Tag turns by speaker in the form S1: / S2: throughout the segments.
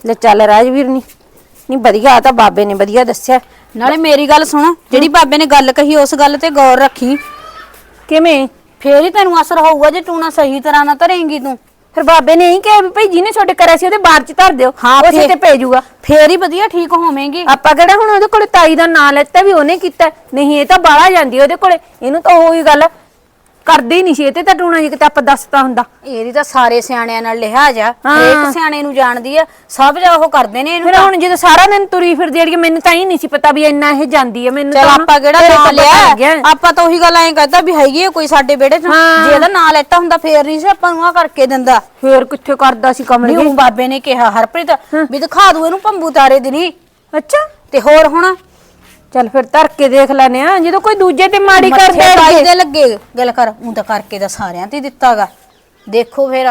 S1: ले चल राजवीर नहीं वधिया तो बाबे ने वधिया दस्या।
S2: नाले मेरी गल सुन, जेड़ी बाबे ने गल कही उस गल ते गौर रखी।
S1: किवें?
S2: फेर ही तैनूं असर होऊगा जे टूना सही तरह ना धरेंगी तू।
S1: फिर बाबे ने यही कहा भी भाई जिन्हें छोटे करा सी ओदे बार च धर दिओ,
S2: हाँ
S1: उसे ते भेजूगा।
S2: फेर ही वधिया ठीक होवेंगी।
S1: ਆਪਾਂ ਕਿਹੜਾ ਹੁਣ ਉਹਦੇ ਕੋਲੇ ਤਾਈ ਦਾ ਨਾਂ ਲੈਤਾ ਵੀ ਉਹਨੇ ਕੀਤਾ, ਨਹੀਂ ਇਹ ਤਾਂ ਬਾਹਲਾ ਜਾਂਦੀ ਉਹਦੇ ਕੋਲੇ, ਇਹਨੂੰ ਤਾਂ ਉਹੀ ਗੱਲ ਕਰਦੀ ਨਹੀਂ ਸੀ ਇਹ ਤੇ ਤਾਂ ਟੂਣਾ ਜੀ ਕਿਤੇ ਆਪਾਂ ਦੱਸਤਾ ਹੁੰਦਾ।
S2: ਇਹਦੀ ਤਾਂ ਸਾਰੇ ਸਿਆਣਿਆਂ ਨਾਲ ਲਿਹਾਜ਼ ਆ, ਹਰੇਕ ਸਿਆਣੇ ਨੂੰ ਜਾਣਦੀ ਆ, ਸਭ ਜਾ ਉਹ ਕਰਦੇ ਨੇ ਇਹਨੂੰ।
S1: ਫਿਰ ਹੁਣ ਜਦੋਂ ਸਾਰਾ ਦਿਨ ਤੁਰੀ ਫਿਰਦੀ ਅੜੀਏ ਮੈਨੂੰ ਤਾਂ ਹੀ ਨਹੀਂ ਸੀ ਪਤਾ ਵੀ ਇੰਨਾ ਇਹ ਜਾਂਦੀ ਹੈ। ਮੈਨੂੰ
S2: ਚਲ
S1: ਤਾਂ
S2: ਆਪਾਂ ਕਿਹੜਾ ਨਾਂ ਲਿਆ, ਆਪਾਂ ਤਾਂ ਉਹੀ ਗੱਲ ਐਂ ਕਹਤਾ ਵੀ ਹੈਗੀ ਆ ਕੋਈ ਸਾਡੇ ਵਿਹੜੇ ਚ, ਜੇ ਇਹਦਾ ਨਾਂ ਲੈਤਾ ਹੁੰਦਾ ਫੇਰ ਨਹੀਂ ਸੀ ਆਪਾਂ ਨੂੰ ਆ ਕਰਕੇ ਦਿੰਦਾ।
S1: ਫੇਰ ਕਿੱਥੇ ਕਰਦਾ ਸੀ ਕਮਲੀ?
S2: ਨਹੀਂ ਬਾਬੇ ਨੇ ਕਿਹਾ ਹਰਪ੍ਰੀਤ ਵੀ ਦਿਖਾ ਦੂ ਇਹਨੂੰ ਭੰਬੂ ਤਾਰੇ ਦੀ ਨਹੀਂ।
S1: ਅੱਛਾ
S2: ਤੇ ਹੋਰ ਹੁਣ
S1: ਚੱਲ ਫਿਰ ਧਰ ਕੇ ਦੇਖ ਲੈਨੇ ਆ, ਜਦੋਂ ਕੋਈ ਦੂਜੇ ਤੇ ਮਾੜੀ ਕਰਦਾ
S2: ਤਾਈ ਦੇ ਲੱਗੇ ਗੱਲ ਕਰ, ਉਹ ਤਾਂ ਕਰਕੇ ਦਾ ਸਾਰਿਆਂ ਤੇ ਦਿੱਤਾਗਾ। ਦੇਖੋ ਫੇਰ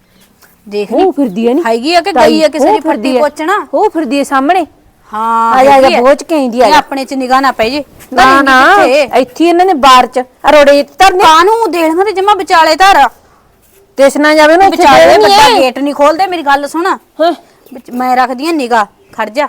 S2: ਦੇਖ
S1: ਉਹ ਫਿਰਦੀ ਹੈ ਨਹੀਂ
S2: ਹੈਗੀ ਆ ਕਿ ਗਈ ਆ ਕਿਸੇ ਦੀ ਫੱਟੀ ਪੋਚਣਾ,
S1: ਉਹ ਫਿਰਦੀ ਹੈ ਸਾਹਮਣੇ।
S2: ਹਾਂ
S1: ਆ ਜਾ ਬੋਝ ਕੇ ਆਂਦੀ ਆ,
S2: ਆਪਣੇ ਚ ਨਿਗਾਹ ਨਾ ਪੈ ਜੇ।
S1: ਨਾ ਨਾ ਇੱਥੇ ਇਹਨਾਂ ਨੇ ਬਾਰ ਚ ਰੋੜੇ ਧਰਨੇ
S2: ਕਾਨੂੰ ਦੇਖਣਾ ਤੇ ਜਮਾ ਵਿਚਾਲੇ ਧਰ
S1: ਦੇਸ ਨਾ ਜਾਵੇ ਨਾ
S2: ਵਿਚਾਲੇ ਵੱਡਾ ਗੇਟ ਨਹੀਂ ਖੋਲਦੇ। ਮੇਰੀ ਗੱਲ ਸੁਣ, ਮੈਂ ਰੱਖਦੀ ਆ ਨਿਗਾਹ, ਖੜ ਜਾ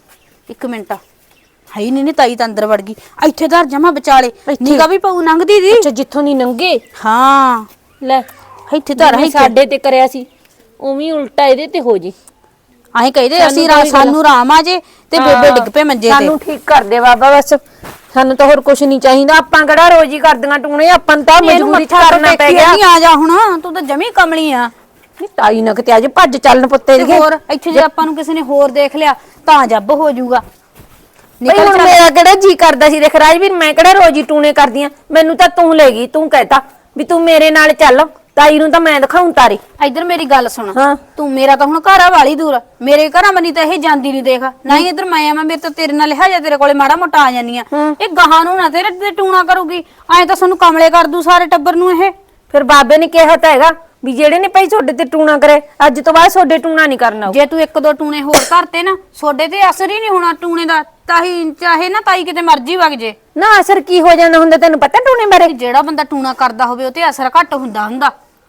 S2: 1 ਮਿੰਟ। ਹਾਈ ਨਹੀਂ ਤਾਈ ਤਾਂ ਅੰਦਰ ਵੜ ਗਈ, ਇੱਥੇ ਧਰ ਜਮਾ ਵਿਚਾਲੇ, ਨਿਗਾਹ ਵੀ ਪਊ ਲੰਘਦੀ ਦੀ।
S1: ਅੱਛਾ ਜਿੱਥੋਂ ਨਹੀਂ ਨੰਗੇ,
S2: ਹਾਂ
S1: ਲੈ
S2: ਇੱਥੇ ਧਰ।
S1: ਸਾਡੇ ਤੇ ਕਰਿਆ ਸੀ ਉਵੇਂ ਉਲਟਾ ਇਹਦੇ ਤੇ ਹੋ ਜੀ।
S2: ਆਏ ਕਹਿੰਦੇ ਅਸੀਂ ਸਾਨੂੰ ਆਰਾਮ ਆ ਜੇ ਤੇ ਬੇਬੇ ਡਿੱਗ ਪਏ ਮੰਜੇ ਤੇ।
S1: ਸਾਨੂੰ ਠੀਕ ਕਰ ਦੇ ਬਾਬਾ, ਬਸ ਸਾਨੂੰ ਤਾਂ ਹੋਰ ਕੁਝ ਨਹੀਂ ਚਾਹੀਦਾ। ਆਪਾਂ ਕਿਹੜਾ ਰੋਜ਼ ਹੀ ਕਰਦੀਆਂ ਟੂਣੇ, ਆਪਾਂ ਨੂੰ ਤਾਂ ਮਜਬੂਰੀ ਚ ਕਰਨਾ ਪੈ ਗਿਆ।
S2: ਨਹੀਂ ਆ ਜਾ ਹੁਣ, ਤੂੰ ਤਾਂ ਜਮੀ ਕਮਲੀ ਆ।
S1: ਨਹੀਂ ਤਾਈ ਨਾ ਕਿਤੇ ਅੱਜ ਭੱਜ ਚੱਲਣ ਪੁੱਤੇ ਦੇ।
S2: ਹੋਰ ਇੱਥੇ ਜੇ ਆਪਾਂ ਨੂੰ ਕਿਸੇ ਨੇ ਹੋਰ ਦੇਖ ਲਿਆ ਤਾਂ ਜੱਬ ਹੋ ਜਾਊਗਾ।
S1: ਨਹੀਂ ਹੁਣ ਮੇਰਾ ਕਿਹੜਾ ਜੀ ਕਰਦਾ ਸੀ, ਦੇਖ ਰਾਜਵੀਰ ਮੈਂ ਕਿਹੜਾ ਰੋਜ਼ ਹੀ ਟੂਣੇ ਕਰਦੀਆਂ, ਮੈਨੂੰ ਤਾਂ ਤੂੰ ਲੈ ਗਈ, ਤੂੰ ਕਹਿਤਾ ਵੀ ਤੂੰ ਮੇਰੇ ਨਾਲ ਚੱਲ, ਤਾਈ ਨੂੰ ਤਾਂ ਮੈਂ ਦਿਖਾਉਂ ਤਾਰੇ।
S2: ਇੱਧਰ ਮੇਰੀ ਗੱਲ ਸੁਣ, ਤੂੰ ਮੇਰਾ ਤਾਂ ਹੁਣ ਘਰ ਆ ਵਾਲੀ ਦੂਰ, ਮੇਰੇ ਘਰਾਂ ਮਨੀ ਤਾਂ ਇਹ ਜਾਂਦੀ ਨਹੀਂ ਦੇਖ ਨਾ ਹੀ। ਇੱਧਰ ਮੈਂ ਆਵਾਂ, ਮੇਰੇ ਤਾਂ ਤੇਰੇ ਨਾਲ ਲਿਆ ਜਾ, ਤੇਰੇ ਕੋਲੇ ਮਾੜਾ ਮੋਟਾ ਆ ਜਾਨੀ ਆ। ਇਹ ਗਾਹਾਂ ਨੂੰ ਨਾ ਤੇਰੇ ਤੇ ਟੂਣਾ ਕਰੂਗੀ, ਐਂ ਤਾਂ ਸਾਨੂੰ ਕਮਲੇ ਕਰ ਦੂ ਸਾਰੇ ਟੱਬਰ ਨੂੰ ਇਹ।
S1: ਫਿਰ ਬਾਬੇ ਨੇ ਕਿਹਾ ਤਾਂ ਹੈਗਾ ਵੀ ਜਿਹੜੇ ਨੇ ਭਾਈ ਤੁਹਾਡੇ ਤੇ ਟੂਣਾ ਕਰੇ ਅੱਜ ਤੋਂ ਬਾਅਦ ਤੁਹਾਡੇ ਟੂਣਾ ਨਹੀਂ ਕਰਨਾ।
S2: ਜੇ ਤੂੰ 1-2 ਟੂਣੇ ਹੋਰ ਕਰਤੇ ਨਾ, ਤੁਹਾਡੇ ਤੇ ਅਸਰ ਹੀ ਨਹੀਂ ਹੋਣਾ ਟੂਣੇ ਦਾ। ਤਾਹੀ ਚਾਹੇ ਨਾ ਤਾਈ ਕਿਤੇ ਮਰਜੀ ਵਗ ਜੇ
S1: ਨਾ, ਅਸਰ ਕੀ ਹੋ ਜਾਂਦਾ ਹੁੰਦਾ ਤੈਨੂੰ ਪਤਾ ਟੂਣੇ ਬਾਰੇ?
S2: ਜਿਹੜਾ ਬੰਦਾ ਟੂਣਾ ਕਰਦਾ ਹੋਵੇ ਉਹ ਤੇ ਅਸਰ ਘੱਟ ਹੁੰਦਾ।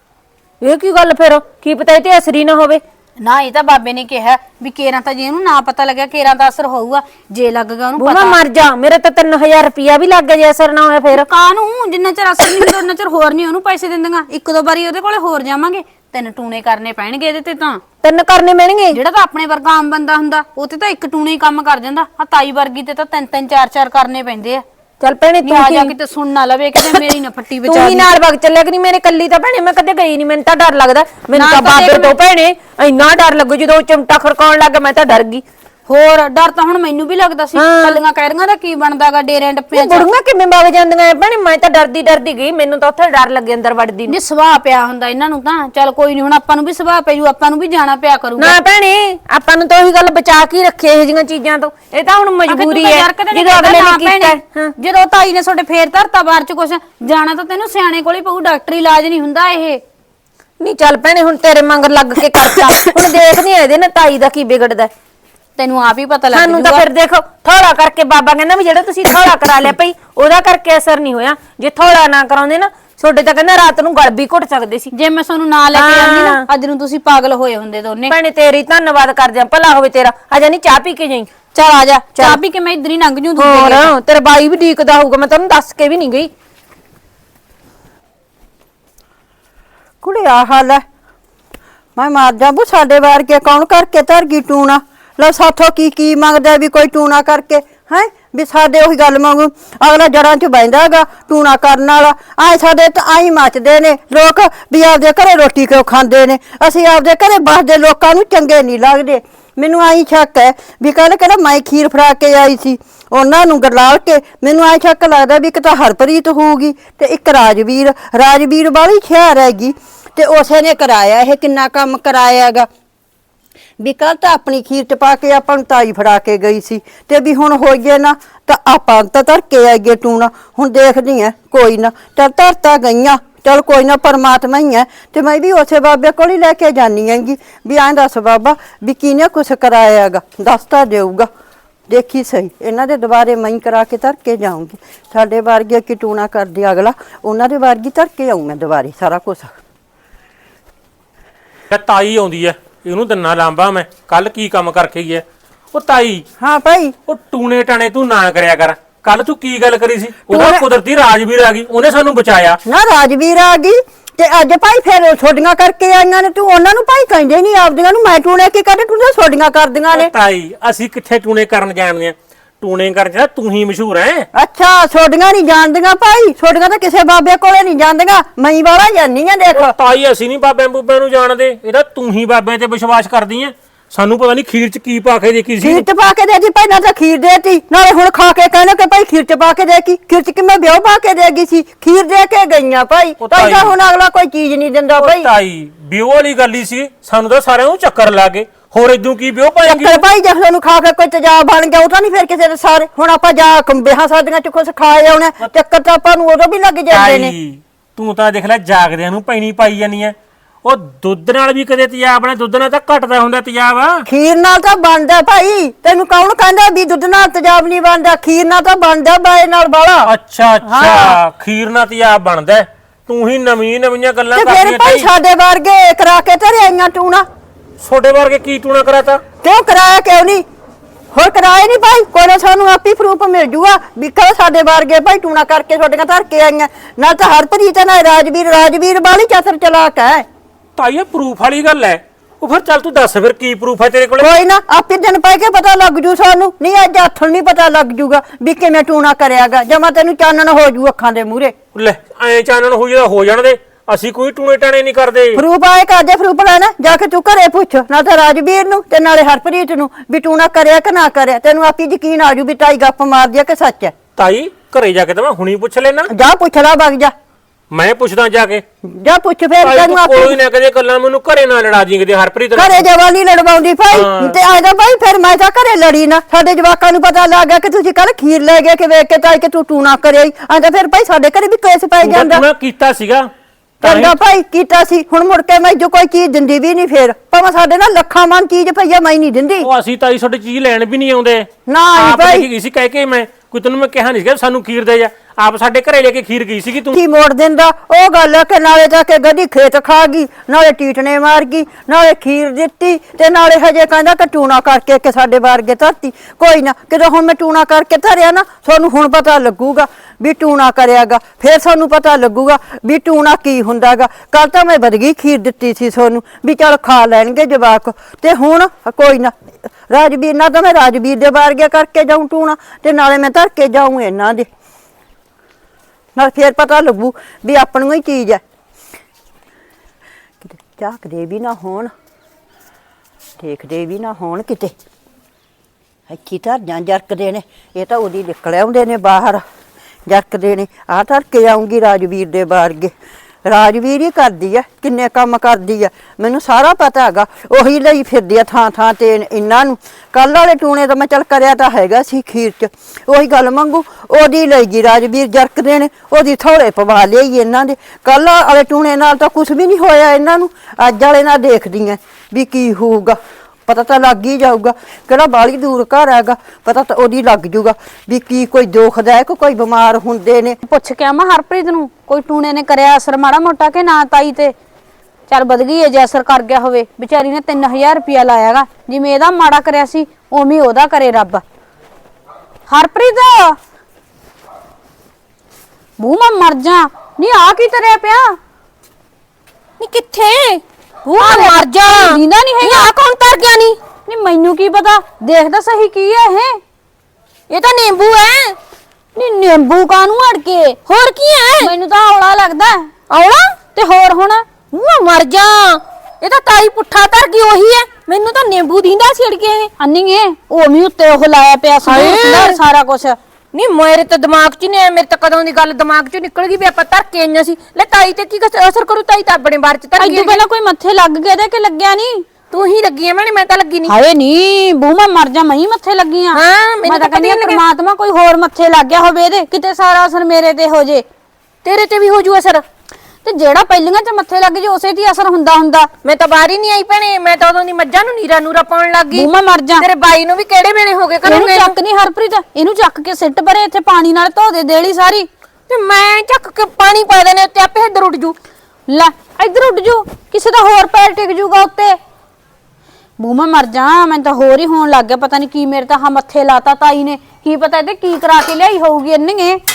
S1: ਇਹ ਕੀ ਗੱਲ ਫਿਰ, ਕੀ ਪਤਾ ਇਹ ਤੇ ਅਸਰ ਹੀ ਨਾ ਹੋਵੇ।
S2: ਨਾ ਇਹ ਤਾਂ ਬਾਬੇ ਨੇ ਕਿਹਾ ਵੀ ਕੇਰਾਂ ਤਾਂ ਜੇ ਇਹਨੂੰ ਨਾ ਪਤਾ ਲੱਗਿਆ ਕੇਰਾਂ ਦਾ ਅਸਰ ਹੋਊਗਾ, ਜੇ ਲੱਗ ਗਿਆ ਉਹਨੂੰ
S1: ਪਤਾ ਮਰ ਜਾ। ਮੇਰੇ ਤਾਂ 3000 ਰੁਪਿਆ ਵੀ ਲੱਗ ਗਿਆ ਜੇ ਅਸਰ ਨਾ ਹੋਇਆ ਫਿਰ।
S2: ਕਾਹਨੂੰ, ਜਿੰਨਾ ਚਿਰ ਅਸਰ ਨਹੀਂ ਹੁੰਦਾ ਉਹਨਾਂ ਚਿਰ ਹੋਰ ਨਹੀਂ ਉਹਨੂੰ ਪੈਸੇ ਦਿੰਦੀਆਂ। 1-2 ਵਾਰੀ ਉਹਦੇ ਕੋਲੇ ਹੋਰ ਜਾਵਾਂਗੇ, 3 ਟੂਣੇ ਕਰਨੇ ਪੈਣਗੇ ਇਹਦੇ ਤੇ। ਤਾਂ
S1: 3 ਕਰਨੇ ਪੈਣਗੇ?
S2: ਜਿਹੜਾ ਤਾਂ ਆਪਣੇ ਵਰਗਾ ਆਮ ਬੰਦਾ ਹੁੰਦਾ ਉਹ ਤੇ ਤਾਂ 1 ਟੂਣੇ ਹੀ ਕੰਮ ਕਰ ਜਾਂਦਾ, ਆ ਤਾਈ ਵਰਗੀ ਤੇ ਤਾਂ 3-3 4-4 ਕਰਨੇ ਪੈਂਦੇ ਆ।
S1: ਚੱਲ ਭੈਣੇ ਤੂੰ
S2: ਆ ਜਾ ਕਿਤੇ ਸੁਣ ਨਾ ਲਵੇ ਕਿਤੇ ਮੇਰੀ ਨਾ ਫੱਟੀ ਵਿਚਾਰੀ।
S1: ਤੂੰ ਹੀ ਨਾਲ ਵਗ ਚੱਲਿਆ ਕਿ ਨਹੀਂ, ਮੇਰੇ ਕੱਲੀ ਤਾਂ ਭੈਣੇ ਮੈਂ ਕਦੇ ਗਈ ਨਹੀਂ, ਮੈਨੂੰ ਤਾਂ ਡਰ ਲੱਗਦਾ। ਮੈਨੂੰ ਤਾਂ ਬਾਬੇ ਤੋਂ ਭੈਣੇ ਇੰਨਾ ਡਰ ਲੱਗੂ, ਜਦੋਂ ਚਮਟਾ ਖੜਕਾਉਣ ਲੱਗਾ ਮੈਂ ਤਾਂ ਡਰ ਗਈ।
S2: ਹੋਰ ਡਰ ਤਾਂ ਹੁਣ ਮੈਨੂੰ ਵੀ ਲੱਗਦਾ ਸੀ, ਕੱਲੀਆਂ ਕਹਿੜੀਆਂ ਦਾ ਕੀ ਬਣਦਾਗਾ ਡੇਰੇ ਡੱਪਿਆਂ ਚ।
S1: ਬੁੜੀਆਂ ਕਿਵੇਂ ਵਗ ਜਾਂਦੀਆਂ ਭੈਣੇ, ਮੈਂ ਤਾਂ ਡਰਦੀ ਗਈ, ਮੈਨੂੰ ਤਾਂ ਉੱਥੇ ਡਰ ਲੱਗੇ ਅੰਦਰ ਵੜਦੀ।
S2: ਨਹੀਂ ਸੁਭਾਅ ਪਿਆ ਹੁੰਦਾ ਇਹਨਾਂ ਨੂੰ ਤਾਂ। ਚੱਲ ਕੋਈ ਨਹੀਂ, ਹੁਣ ਆਪਾਂ ਨੂੰ ਵੀ ਸੁਭਾਅ ਪੈ ਜੂ, ਆਪਾਂ ਨੂੰ ਵੀ ਜਾਣਾ ਪਿਆ ਕਰੂਗਾ।
S1: ਨਾ ਭੈਣੇ ਆਪਾਂ ਨੂੰ ਤਾਂ ਉਹੀ ਗੱਲ ਬਚਾ ਕੇ ਰੱਖੇ ਇਹ ਜਿਹੀਆਂ ਚੀਜ਼ਾਂ ਤੋਂ, ਇਹ ਤਾਂ ਹੁਣ ਮਜਬੂਰੀ ਹੈ ਜਦੋਂ ਅਗਲੇ ਨੇ ਕੀਤਾ।
S2: ਜਦੋਂ ਤਾਈ ਨੇ ਤੁਹਾਡੇ ਫੇਰ ਧਰਤਾ ਬਾਹਰ ਚ ਕੁਛ ਜਾਣਾ ਤਾਂ ਤੈਨੂੰ ਸਿਆਣੇ ਕੋਲ ਹੀ ਪਊ, ਡਾਕਟਰੀ ਇਲਾਜ ਨਹੀਂ ਹੁੰਦਾ ਇਹ।
S1: ਨਹੀਂ ਚੱਲ ਭੈਣੇ ਹੁਣ ਤੇਰੇ ਮੰਗਰ ਲੱਗ ਕੇ ਕਰਤਾ, ਹੁਣ ਦੇਖਦੀ ਆ ਇਹਦੇ ਨਾਲ ਤਾਈ ਦਾ ਕੀ ਵਿਗੜਦਾ,
S2: ਤੈਨੂੰ ਆਪ ਹੀ ਪਤਾ ਲੱਗ
S1: ਸਾਨੂੰ ਤਾਂ ਫਿਰ ਦੇਖੋ ਥੋੜਾ ਕਰਕੇ ਬਾਬਾ ਕਹਿੰਦਾ ਵੀ ਜਿਹੜਾ ਤੁਸੀਂ ਥੋੜਾ ਕਰਾ ਲਿਆ ਭਈ ਉਹਦਾ ਕਰਕੇ ਅਸਰ ਨਹੀਂ ਹੋਇਆ, ਜੇ ਥੋੜਾ ਨਾ ਕਰਾਉਂਦੇ ਨਾ ਤੁਹਾਡੇ ਤਾਂ ਕਹਿੰਦਾ ਰਾਤ ਨੂੰ ਗਲ ਵੀ ਘੁੱਟ ਸਕਦੇ ਸੀ।
S2: ਜੇ ਮੈਂ ਤੁਹਾਨੂੰ ਨਾ ਲੈ ਕੇ ਆਂਦੀ ਨਾ ਅੱਜ ਨੂੰ ਤੁਸੀਂ ਪਾਗਲ ਹੋਏ ਹੁੰਦੇ ਦੋਨੇ।
S1: ਭੈਣੇ ਤੇਰੀ ਧੰਨਵਾਦ ਕਰਦੇ ਆ, ਭਲਾ ਹੋਵੇ ਤੇਰਾ। ਆਜਾ ਨਹੀਂ ਚਾਹ ਪੀ ਕੇ ਜਾਈ।
S2: ਚੱਲ ਆ ਜਾ, ਚਾਹ ਪੀ ਕੇ ਮੈਂ ਇੱਧਰ ਹੀ ਲੰਘ ਜੂ।
S1: ਹੋਰ ਤੇਰਾ ਬਾਈ ਵੀ ਢੀਕਦਾ ਹੋਊਗਾ, ਮੈਂ ਤੈਨੂੰ ਦੱਸ ਕੇ ਵੀ ਨਹੀਂ ਗਈ।
S3: ਕੁੜੇ ਆ ਹਾਲ ਹੈ, ਮੈਂ ਮਾਰ ਜਾਬੂ ਸਾਡੇ ਵਾਰ ਕੇ ਕੌਣ ਕਰਕੇ ਧਰ ਗਈ ਟੂਣਾ। ਲੈ ਸਾਥੋਂ ਕੀ ਮੰਗਦਾ ਵੀ ਕੋਈ ਟੂਣਾ ਕਰਕੇ ਹੈ ਵੀ ਸਾਡੇ ਉਹੀ ਗੱਲ ਮੰਗੂ, ਅਗਲਾ ਜੜਾਂ 'ਚ ਬੈਂਦਾ ਹੈਗਾ ਟੂਣਾ ਕਰਨ ਵਾਲਾ। ਆਏ ਸਾਡੇ ਤਾਂ ਆਈ ਮੱਚਦੇ ਨੇ ਲੋਕ ਵੀ ਆਪਦੇ ਘਰੇ ਰੋਟੀ ਕਿਉਂ ਖਾਂਦੇ ਨੇ, ਅਸੀਂ ਆਪਦੇ ਘਰੇ ਬਸਦੇ ਲੋਕਾਂ ਨੂੰ ਚੰਗੇ ਨਹੀਂ ਲੱਗਦੇ। ਮੈਨੂੰ ਆਈ ਸ਼ੱਕ ਹੈ ਵੀ ਕੱਲ ਕਿਹੜਾ ਮੈਂ ਖੀਰ ਫੜਾ ਕੇ ਆਈ ਸੀ ਉਹਨਾਂ ਨੂੰ ਗਰਲਾਲ ਕੇ, ਮੈਨੂੰ ਆਈ ਸ਼ੱਕ ਲੱਗਦਾ ਵੀ ਇੱਕ ਤਾਂ ਹਰਪ੍ਰੀਤ ਹੋਊਗੀ ਤੇ ਇੱਕ ਰਾਜਵੀਰ ਵਾਲੀ ਸ਼ਹਿਰ ਹੈਗੀ ਤੇ ਉਸੇ ਨੇ ਕਰਾਇਆ ਇਹ ਕਿੰਨਾ ਕੰਮ ਕਰਾਇਆ ਹੈਗਾ। ਵੀ ਕੱਲ ਤਾਂ ਆਪਣੀ ਖੀਰ ਚ ਪਾ ਕੇ ਆਪਾਂ ਨੂੰ ਤਾਈ ਫੜਾ ਕੇ ਗਈ ਸੀ ਤੇ ਵੀ ਹੁਣ ਹੋਈਏ ਨਾ ਤਾਂ ਆਪਾਂ ਤਾਂ ਧਰ ਕੇ ਆਈਏ ਟੂਣਾ। ਹੁਣ ਦੇਖਦੀ ਆ ਕੋਈ ਨਾ, ਚੱਲ ਧਰਤਾ ਗਈਆਂ, ਚੱਲ ਕੋਈ ਨਾ ਪਰਮਾਤਮਾ ਹੀ ਹੈ। ਤੇ ਮੈਂ ਵੀ ਉਸੇ ਬਾਬੇ ਕੋਲ ਹੀ ਲੈ ਕੇ ਜਾਨੀ ਹੈਗੀ ਵੀ ਐਂ ਦੱਸ ਬਾਬਾ ਵੀ ਕਿਹਨੇ ਕੁਛ ਕਰਾਇਆ ਹੈਗਾ, ਦੱਸਤਾ ਦੇਊਗਾ। ਦੇਖੀ ਸਹੀ ਇਹਨਾਂ ਦੇ ਦੁਬਾਰੇ ਮੈਂ ਕਰਾ ਕੇ ਧਰ ਕੇ ਜਾਊਂਗੀ। ਸਾਡੇ ਵਰਗੇ ਕੀ ਟੂਣਾ ਕਰਦੀ ਅਗਲਾ, ਉਹਨਾਂ ਦੇ ਵਰਗੀ ਧਰ ਕੇ ਆਊਂ ਮੈਂ ਦੁਬਾਰੇ ਸਾਰਾ ਕੁਛ।
S4: ਤਾਈ ਆਉਂਦੀ ਐ, ਇਹਨੂੰ ਦਿਨਾ ਲਾਂਬਾ ਮੈਂ ਕੱਲ ਕੀ ਕੰਮ ਕਰਕੇ ਗਿਆ। ਉਹ ਤਾਈ
S3: ਹਾਂ ਭਾਈ
S4: ਉਹ ਟੂਣੇ ਟਾਣੇ ਤੂੰ ਨਾ ਕਰਿਆ ਕਰ। ਕੱਲ ਤੂੰ ਕੀ ਗੱਲ ਕਰੀ ਸੀ? ਉਹਦਾ ਕੁਦਰਤੀ ਰਾਜਵੀਰ ਆ ਗਈ, ਉਹਨੇ ਸਾਨੂੰ ਬਚਾਇਆ
S3: ਨਾ। ਰਾਜਵੀਰ ਆ ਗਈ ਤੇ ਅੱਜ ਭਾਈ ਫਿਰ ਛੋਡੀਆਂ ਕਰਕੇ ਆਈਆਂ ਨੇ। ਤੂੰ ਉਹਨਾਂ ਨੂੰ ਭਾਈ ਕਹਿੰਦੇ ਨਹੀਂ ਆਪਦੀਆਂ ਨੂੰ, ਮੈਂ ਟੂਣੇ ਕੀ ਕਰਦੇ, ਤੂੰ ਤਾਂ ਛੋਡੀਆਂ ਕਰਦੀਆਂ ਨੇ।
S4: ਤਾਈ ਅਸੀਂ ਕਿੱਥੇ ਟੂਣੇ ਕਰਨ ਜਾਣਦੇ ਆ? ਟੂਣੇ ਕਰਨ ਚ ਤੂੰ ਹੀ ਮਸ਼ਹੂਰ ਐ।
S3: ਅੱਛਾ ਛੋਡੀਆਂ ਨਹੀਂ ਜਾਣਦੀਆਂ ਭਾਈ, ਛੋਡੀਆਂ ਤਾਂ ਕਿਸੇ ਬਾਬੇ ਕੋਲੇ ਨਹੀਂ ਜਾਂਦੀਆਂ, ਮਈ ਵਾਲਾ ਜਾਂਦੀਆਂ ਦੇਖ।
S4: ਤਾਈ ਅਸੀਂ ਨਹੀਂ ਬਾਬਿਆਂ ਬੂਬਿਆਂ ਨੂੰ ਜਾਣਦੇ, ਇਹਦਾ ਤੂੰ ਹੀ ਬਾਬਿਆਂ ਤੇ ਵਿਸ਼ਵਾਸ ਕਰਦੀ ਐ। ਸਾਨੂੰ ਪਤਾ ਨਹੀਂ ਖੀਰ ਚ ਕੀ ਪਾ ਕੇ ਦੇਖੀ ਸੀ।
S3: ਖੀਰ ਚ ਪਾ ਕੇ ਦੇਤੀ ਭਾਈ, ਨਾ ਤਾਂ ਖੀਰ ਦੇਤੀ ਨਾਲੇ ਹੁਣ ਖਾ ਕੇ ਕਹਿੰਦੇ ਕਿ ਭਾਈ ਖੀਰ ਚ ਪਾ ਕੇ ਦੇਤੀ। ਖੀਰ ਚ ਕਿਵੇਂ ਵਿਆਹ ਪਾ ਕੇ ਦੇ ਗਈ ਸੀ, ਖੀਰ ਦੇ ਕੇ ਗਈਆਂ ਭਾਈ। ਭਾਈ ਤਾਂ ਹੁਣ ਅਗਲਾ ਕੋਈ ਚੀਜ਼ ਨਹੀਂ ਦਿੰਦਾ ਭਾਈ।
S4: ਤਾਈ ਵਿਆਹ ਵਾਲੀ ਗੱਲ ਹੀ ਸੀ, ਸਾਨੂੰ ਤਾਂ ਸਾਰਿਆਂ ਨੂੰ ਚੱਕਰ ਲਾ ਗਏ। ਹੋਰ ਇਦੋਂ ਕੀ ਵਿਆਹ ਪਾਏਗੀ?
S3: ਚੱਕਰ ਭਾਈ ਜੇ ਸਾਨੂੰ ਖਾ ਕੇ ਕੋਈ ਤੇਜ਼ਾਬ ਬਣ ਗਿਆ, ਉਹ ਤਾਂ ਨਹੀਂ ਫਿਰ ਕਿਸੇ ਦੇ ਸਾਰੇ। ਹੁਣ ਆਪਾਂ ਜਾ ਵਿਆਹਾਂ ਸਾਡੀਆਂ ਚ ਕੁਛ ਖਾਏ ਆਉਣਾ, ਚੱਕਰ ਤਾਂ ਆਪਾਂ ਨੂੰ ਉਦੋਂ ਵੀ ਲੱਗ ਜਾਂਦੇ ਨੇ।
S4: ਤਾਈ ਤੂੰ ਤਾਂ ਦੇਖ ਲੈ ਜਾਗਦਿਆਂ ਨੂੰ ਪੈਣੀ ਪਾਈ ਜਾਨੀ ਐ। ਉਹ ਦੁੱਧ ਨਾਲ ਵੀ ਕਦੇ ਤੇਜ਼ਾਬ ਨੇ, ਦੁੱਧ ਨਾਲ ਤਾਂ ਘਟਦਾ ਹੁੰਦਾ ਤੇਜ਼ਾਬ।
S3: ਖੀਰ ਨਾਲ ਤਾਂ ਬਣਦਾ ਭਾਈ, ਤੈਨੂੰ ਕੌਣ ਕਹਿੰਦਾ ਵੀ ਦੁੱਧ ਨਾਲ ਤੇਜ਼ਾਬ ਨਹੀਂ ਬਣਦਾ? ਖੀਰ ਨਾਲ ਤਾਂ ਬਣਦਾ ਬਾਏ ਨਾਲ ਬਾਲਾ।
S4: ਅੱਛਾ ਖੀਰ ਨਾਲ ਤੇਜ਼ਾਬ ਬਣਦਾ। ਤੂੰ ਹੀ ਨਵੀਆਂ ਗੱਲਾਂ
S3: ਤੇ
S4: ਕਰਦੀ
S3: ਫਿਰ
S4: ਐ।
S3: ਭਾਈ ਸਾਡੇ ਵਰਗੇ ਕਰਾ ਕੇ ਧਰੇ ਆਈਆਂ ਟੂਣਾ।
S4: ਛੋਟੇ ਵਰਗੇ ਕੀ ਟੂਣਾ ਕਰਾਤਾ?
S3: ਕਿਉਂ ਕਰਾਇਆ ਕਿਉਂ ਨਹੀਂ? ਹੋਰ ਕਰਾਏ ਨਹੀਂ ਭਾਈ, ਕੋਈ ਨਾ ਸਾਨੂੰ ਆਪੀ ਪ੍ਰੂਫ ਮਿਲ ਜੂਗਾ ਵੀ ਕਹ ਸਾਡੇ ਵਰਗੇ ਭਾਈ ਟੂਣਾ ਕਰਕੇ ਛੋਡੀਆਂ ਧਰ ਕੇ ਆਈਆਂ। ਨਾਲ ਤਾਂ ਹਰਪ੍ਰੀਤ ਨਾਲ ਰਾਜਵੀਰ ਵਾਲੀ ਚਾਤਰ ਚਲਾਕ ਹੈ।
S4: ਤਾਈ ਇਹ ਪ੍ਰੂਫ ਵਾਲੀ ਗੱਲ ਐ। ਉਹ ਫਿਰ ਚੱਲ ਤੂੰ ਦੱਸ ਫਿਰ ਕੀ ਪ੍ਰੂਫ ਹੈ ਤੇਰੇ ਕੋਲੇ?
S3: ਕੋਈ ਨਾ ਆਪੇ ਦਿਨ ਪੈ ਕੇ ਪਤਾ ਲੱਗ ਜੂ ਸਾਨੂੰ, ਨਹੀਂ ਅੱਜ ਹੱਥ ਨਹੀਂ ਪਤਾ ਲੱਗ ਜੂਗਾ ਵੀ ਕਿਵੇਂ ਟੂਣਾ ਕਰਿਆਗਾ। ਜਮਾ ਤੈਨੂੰ ਚਾਨਣ ਹੋ ਜੂ ਅੱਖਾਂ ਦੇ ਮੂਹਰੇ।
S4: ਲੈ ਐ ਚਾਨਣ ਹੋ ਜਾਣ ਦੇ, ਅਸੀਂ ਕੋਈ ਟੂਣੇ ਟਾਣੇ ਨਹੀਂ ਕਰਦੇ।
S3: ਪ੍ਰੂਫ ਆਏ ਕਰਦੇ, ਪ੍ਰੂਫ ਲੈਣਾ ਜਾ ਕੇ ਤੂੰ ਘਰੇ ਪੁੱਛ ਨਾ ਤਾਂ ਰਾਜਵੀਰ ਨੂੰ ਤੇ ਨਾਲੇ ਹਰਪ੍ਰੀਤ ਨੂੰ ਵੀ ਟੂਣਾ ਕਰਿਆ ਕਿ ਨਾ ਕਰਿਆ। ਤੈਨੂੰ ਆਪੀ ਯਕੀਨ ਆ ਜੂ ਵੀ ਤਾਈ ਗੱਪ ਮਾਰਦੀ ਆ ਕਿ ਸੱਚ ਹੈ।
S4: ਤਾਈ ਘਰੇ ਜਾ ਕੇ ਤਾਂ ਮੈਂ ਹੁਣੀ ਪੁੱਛ ਲੈਣਾ।
S3: ਜਾ ਪੁੱਛ ਲਾ, ਵਗ ਜਾ,
S4: ਮੈਂ ਪੁੱਛਦਾ ਜਾ ਕੇ।
S3: ਜਾ ਪੁੱਛ ਫੇਰ
S4: ਤਾਈ
S3: ਤੈਨੂੰ
S4: ਤੂੰ
S3: ਆਪੇ
S4: ਕੋਈ ਨਾ ਕਦੇ ਗੱਲਾਂ ਮੈਨੂੰ ਘਰੇ ਨਾ ਲੜਾ ਜੀ ਕਿਤੇ ਹਰਪ੍ਰੀਤ ਨਾਲ।
S3: ਘਰੇ ਜਵਾਨੀ ਲੜਵਾਉਂਦੀ ਭਾਈ ਤੇ ਆਏਗਾ ਭਾਈ ਫਿਰ ਮੈਂ ਤਾਂ ਘਰੇ ਲੜੀ ਨਾ। ਸਾਡੇ ਜਵਾਕਾਂ ਨੂੰ ਪਤਾ ਲੱਗ ਗਿਆ ਕਿ ਤੁਸੀਂ ਕੱਲ ਖੀਰ ਲੈ ਗਏ ਕਿ ਵੇਖ ਕੇ ਤਾਈ ਕਿ ਤੂੰ ਟੂਣਾ ਕਰਿਆ ਹੀ ਆਂਦਾ, ਫਿਰ ਭਾਈ ਸਾਡੇ ਘਰੇ ਵੀ ਕੇਸ ਪੈ ਜਾਂਦਾ।
S4: ਮੈਂ ਕੀਤਾ ਸੀਗਾ
S3: ਚੰਗਾ ਭਾਈ ਕੀਤਾ ਸੀ, ਹੁਣ ਮੁੜ ਕੇ ਮੈਂ ਜੋ ਕੋਈ ਚੀਜ਼ ਦਿੰਦੀ ਵੀ ਨਹੀਂ। ਫੇਰ ਭਾਵੇਂ ਸਾਡੇ ਨਾਲ ਲੱਖਾਂ ਮਨ ਚੀਜ਼ ਪਈਆ ਮੈਂ ਨਹੀਂ ਦਿੰਦੀ।
S4: ਉਹ ਅਸੀਂ ਤਾਈ ਤੁਹਾਡੀ ਚੀਜ਼ ਲੈਣ ਵੀ ਨਹੀਂ ਆਉਂਦੇ
S3: ਨਾ
S4: ਆਪ
S3: ਭਾਈ।
S4: ਲੈ ਕੇ ਗਈ ਸੀ ਕਹਿ ਕੇ, ਮੈਂ ਕੋਈ ਤੈਨੂੰ ਮੈਂ ਕਿਹਾ ਨਹੀਂ ਸੀਗਾ ਸਾਨੂੰ ਖੀਰ ਦੇ ਜਾ। ਆਪ ਸਾਡੇ ਘਰੇ ਲੈ ਕੇ ਖੀਰ ਗਈ ਸੀਗੀ ਤੂੰ।
S3: ਕੀ ਮੋੜ ਦਿੰਦਾ ਉਹ ਗੱਲ ਹੈ ਕਿ ਨਾਲੇ ਜਾ ਕੇ ਗਦੀ ਖੇਤ ਖਾ ਗਈ, ਨਾਲੇ ਟੀਟਨੇ ਮਾਰ ਗਈ, ਨਾਲੇ ਖੀਰ ਦਿੱਤੀ ਤੇ ਨਾਲੇ ਹਜੇ ਕਹਿੰਦਾ ਕਿ ਟੂਣਾ ਕਰਕੇ ਕਿ ਸਾਡੇ ਵਰਗੇ ਧਰਤੀ। ਕੋਈ ਨਾ ਕਿਦੋਂ ਹੁਣ ਮੈਂ ਟੂਣਾ ਕਰਕੇ ਧਰਿਆ ਨਾ, ਤੁਹਾਨੂੰ ਹੁਣ ਪਤਾ ਲੱਗੂਗਾ ਵੀ ਟੂਣਾ ਕਰਿਆਗਾ। ਫਿਰ ਸਾਨੂੰ ਪਤਾ ਲੱਗੂਗਾ ਵੀ ਟੂਣਾ ਕੀ ਹੁੰਦਾਗਾ। ਕੱਲ ਤਾਂ ਮੈਂ ਵਧਗੀ ਖੀਰ ਦਿੱਤੀ ਸੀ ਤੁਹਾਨੂੰ ਵੀ ਚੱਲ ਖਾ ਲੈਣਗੇ ਜਵਾਕ, ਤੇ ਹੁਣ ਕੋਈ ਨਾ ਰਾਜਵੀਰ ਨਾਲ ਤਾਂ ਮੈਂ ਰਾਜਵੀਰ ਦੇ ਵਰਗੇ ਕਰਕੇ ਜਾਊਂ ਟੂਣਾ, ਤੇ ਨਾਲੇ ਮੈਂ ਧਰ ਕੇ ਜਾਊਂ ਇਹਨਾਂ ਦੇ ਨਾਲ। ਫੇਰ ਪਤਾ ਲੱਗੂ ਵੀ ਆਪਣੀ ਹੀ ਚੀਜ਼ ਹੈ। ਕਿਤੇ ਝਾਕਦੇ ਵੀ ਨਾ ਹੋਣ, ਦੇਖਦੇ ਵੀ ਨਾ ਹੋਣ ਕਿਤੇ। ਇੱਥੇ ਧਰ ਜਾਂ ਜਰਕਦੇ ਨੇ, ਇਹ ਤਾਂ ਉਹਦੀ ਨਿਕਲ ਆਉਂਦੇ ਨੇ ਬਾਹਰ ਜਰਕਦੇ ਨੇ। ਆਹ ਧਰ ਕੇ ਆਉਂਗੀ ਰਾਜਵੀਰ ਦੇ ਬਾਰਗੇ। ਰਾਜਵੀਰ ਹੀ ਕਰਦੀ ਐ, ਕਿੰਨੇ ਕੰਮ ਕਰਦੀ ਐ, ਮੈਨੂੰ ਸਾਰਾ ਪਤਾ ਹੈਗਾ। ਉਹੀ ਲਈ ਫਿਰਦੀ ਆ ਥਾਂ ਥਾਂ ਤੇ ਇਹਨਾਂ ਨੂੰ। ਕੱਲ ਵਾਲੇ ਟੂਣੇ ਤਾਂ ਮੈਂ ਚੱਲ ਕਰਿਆ ਤਾਂ ਹੈਗਾ ਸੀ ਖੀਰ ਚ, ਉਹੀ ਗੱਲ ਮੰਗੂ ਉਹਦੀ ਲਈ ਗਈ ਰਾਜਵੀਰ ਜਰਕਦੇ ਨੇ, ਉਹਦੀ ਥੋੜੇ ਪਵਾ ਲਈ ਇਹਨਾਂ ਦੇ। ਕੱਲ ਵਾਲੇ ਟੂਣੇ ਨਾਲ ਤਾਂ ਕੁਝ ਵੀ ਨਹੀਂ ਹੋਇਆ ਇਹਨਾਂ ਨੂੰ, ਅੱਜ ਵਾਲੇ ਨਾਲ ਦੇਖਦੀ ਐ ਵੀ ਕੀ ਹੋਊਗਾ। ਪਤਾ ਤਾਂ ਲੱਗ ਹੀ ਜਾਊਗਾ, ਕਿਹੜਾ ਬਾਹਲੀ ਦੂਰ ਘਰ ਹੈਗਾ, ਪਤਾ ਤਾਂ ਉਹਦੀ ਲੱਗ ਜੂਗਾ ਵੀ ਕੀ ਕੋਈ ਦੁਖਦਾ ਹੈ ਕਿ ਕੋਈ ਬਿਮਾਰ ਹੁੰਦੇ ਨੇ।
S2: ਪੁੱਛ ਕੇ ਆਵਾਂ ਹਰਪ੍ਰੀਤ ਨੂੰ ਕੋਈ ਟੂਣੇ ਨੇ ਕਰਿਆ ਅਸਰ ਮਾੜਾ ਮੋਟਾ ਕਿ ਨਾ ਤਾਈ ਤੇ? ਚੱਲ ਵਧ ਗਈ ਹੈ ਜੇ ਅਸਰ ਕਰ ਗਿਆ ਹੋਵੇ। ਵਿਚਾਰੀ ਨੇ 3000 ਰੁਪਇਆ ਲਾਇਆਗਾ, ਜਿਵੇਂ ਇਹਦਾ ਮਾੜਾ ਕਰਿਆ ਸੀ ਉਵੇਂ ਉਹਦਾ ਕਰੇ ਰੱਬ। ਹਰਪ੍ਰੀਤ ਮੂੰਹ ਮੈਂ ਮਰ ਜਾ, ਨਹੀਂ ਆ ਕੀ ਤਰਿਆ ਪਿਆ?
S1: ਨੀ ਕਿੱਥੇ
S2: ਆ
S1: ਮਰ ਜਾ,
S2: ਦੀਦਾ ਨਹੀਂ ਹੈਗਾ।
S1: ਆ ਕੌਣ ਤਰ ਗਿਆ?
S2: ਨਹੀਂ ਮੈਨੂੰ ਕੀ ਪਤਾ, ਦੇਖਦਾ ਸਹੀ ਕੀ ਹੈ
S1: ਇਹ ਤਾਂ ਨਿੰਬੂ ਹੈ।
S2: ਨਹੀਂ ਨਿੰਬੂ ਕਾਹਨੂੰ ਅੜ ਕੇ,
S1: ਹੋਰ ਕੀ ਹੈ?
S2: ਮੈਨੂੰ ਤਾਂ ਔਲਾ ਲੱਗਦਾ।
S1: ਔਲਾ
S2: ਤੇ ਹੋਰ ਹੁਣ
S1: ਮੂੰਹ ਮਰ ਜਾ, ਇਹ ਤਾਂ ਤਾਈ ਪੁੱਠਾ ਧਰ ਗਈ ਉਹੀ ਹੈ। ਮੈਨੂੰ ਤਾਂ ਨਿੰਬੂ ਦੀਂਦਾ ਛਿੜ ਕੇ।
S2: ਅੰਨੀਏ ਉਹ ਵੀ ਉੱਤੇ ਉਹ ਲਾਇਆ ਪਿਆ ਸੀ ਸਾਰਾ ਕੁਛ।
S1: ਨਹੀਂ ਮੇਰੇ ਤਾਂ ਦਿਮਾਗ 'ਚ ਨਹੀਂ, ਮੇਰੇ ਤਾਂ ਕਦੋਂ ਦੀ ਗੱਲ ਦਿਮਾਗ 'ਚੋਂ ਨਿਕਲ ਗਈ ਵੀ ਆਪਾਂ ਧਰ ਕੇ ਆਈਆਂ ਸੀ। ਲੈ ਤਾਈ ਤੇ ਕੀ ਅਸਰ ਕਰੂ? ਤਾਈ ਤਾਂ ਆਪਣੇ ਬਾਰ 'ਚ ਧਰ ਗਈ।
S2: ਐਦੋਂ ਪਹਿਲਾਂ ਕੋਈ ਮੱਥੇ ਲੱਗ ਗਿਆ ਤੇ ਕਿ ਲੱਗਿਆ ਨਹੀਂ?
S1: ਤੂੰ ਹੀ ਲੱਗੀ ਐ ਮੈਨੇ, ਮੈਂ ਤਾਂ ਲੱਗੀ ਨਹੀਂ।
S2: ਹਾਏ ਨਹੀਂ ਬੂ ਮੈਂ ਮਰ ਜਾ, ਮੈਂ ਹੀ ਮੱਥੇ ਲੱਗੀ ਆ।
S1: ਹਾਂ
S2: ਮੈਂ ਤਾਂ ਕਹਿੰਦੀ ਆ ਪ੍ਰਮਾਤਮਾ ਕੋਈ ਹੋਰ ਮੱਥੇ ਲੱਗ ਗਿਆ ਹੋਵੇ ਇਹਦੇ, ਕਿਤੇ ਸਾਰਾ ਅਸਰ ਮੇਰੇ ਤੇ ਹੋ ਜੇ।
S1: ਤੇਰੇ ਤੇ ਵੀ ਹੋ ਜੂ ਅਸਰ,
S2: ਤੇ ਜਿਹੜਾ ਪਹਿਲੀਆਂ 'ਚ ਮੱਥੇ ਲੱਗ ਜੇ ਉਸੇ ਦੀ ਅਸਰ ਹੁੰਦਾ।
S1: ਮੈਂ ਤਾਂ ਬਾਹਰ ਹੀ ਨਹੀਂ ਆਈ ਭੈਣੇ, ਮੈਂ ਤਾਂ ਉਦੋਂ ਦੀ ਮੱਝਾਂ ਨੂੰ ਨੀਰਾ ਨੂਰਾ ਪਾਉਣ ਲੱਗ ਗਈ।
S2: ਬੂ ਮੈਂ ਮਰ ਜਾ।
S1: ਤੇਰੇ ਬਾਈ ਨੂੰ ਵੀ ਕਿਹੜੇ ਵੇਲੇ ਹੋ ਗਏ
S2: ਇਹਨੂੰ ਚੱਕ ਨਹੀਂ ਹਰਪ੍ਰੀਤ, ਇਹਨੂੰ ਚੱਕ ਕੇ ਸਿੱਟ ਪਰੇ, ਇੱਥੇ ਪਾਣੀ ਨਾਲ ਧੋ ਦੇ ਦੇਲੀ ਸਾਰੀ।
S1: ਤੇ ਮੈਂ ਚੱਕ ਕੇ ਪਾਣੀ ਪਾ ਦੇਣੇ ਉੱਤੇ, ਆਪੇ ਇੱਧਰ ਉੱਡ ਜੂ।
S2: ਲੈ ਇੱਧਰ ਉੱਡ ਜੂ, ਕਿਸੇ ਦਾ ਹੋਰ ਪੈਰ ਟਿਕ ਜੂਗਾ ਉੱਤੇ। ਬੂਮਾ ਮਰ ਜਾ, ਮੈਨੂੰ ਤਾਂ ਹੋਰ ਹੀ ਹੋਣ ਲੱਗ ਗਿਆ। ਪਤਾ ਨਹੀਂ ਕੀ ਮੇਰੇ ਤਾਂ ਮੱਥੇ ਲਾਤਾ ਤਾਈ ਨੇ, ਕੀ ਪਤਾ ਇਹਦੇ ਕੀ ਕਰਾ ਕੇ ਲਿਆਈ ਹੋਊਗੀ ਇੰਨੇ।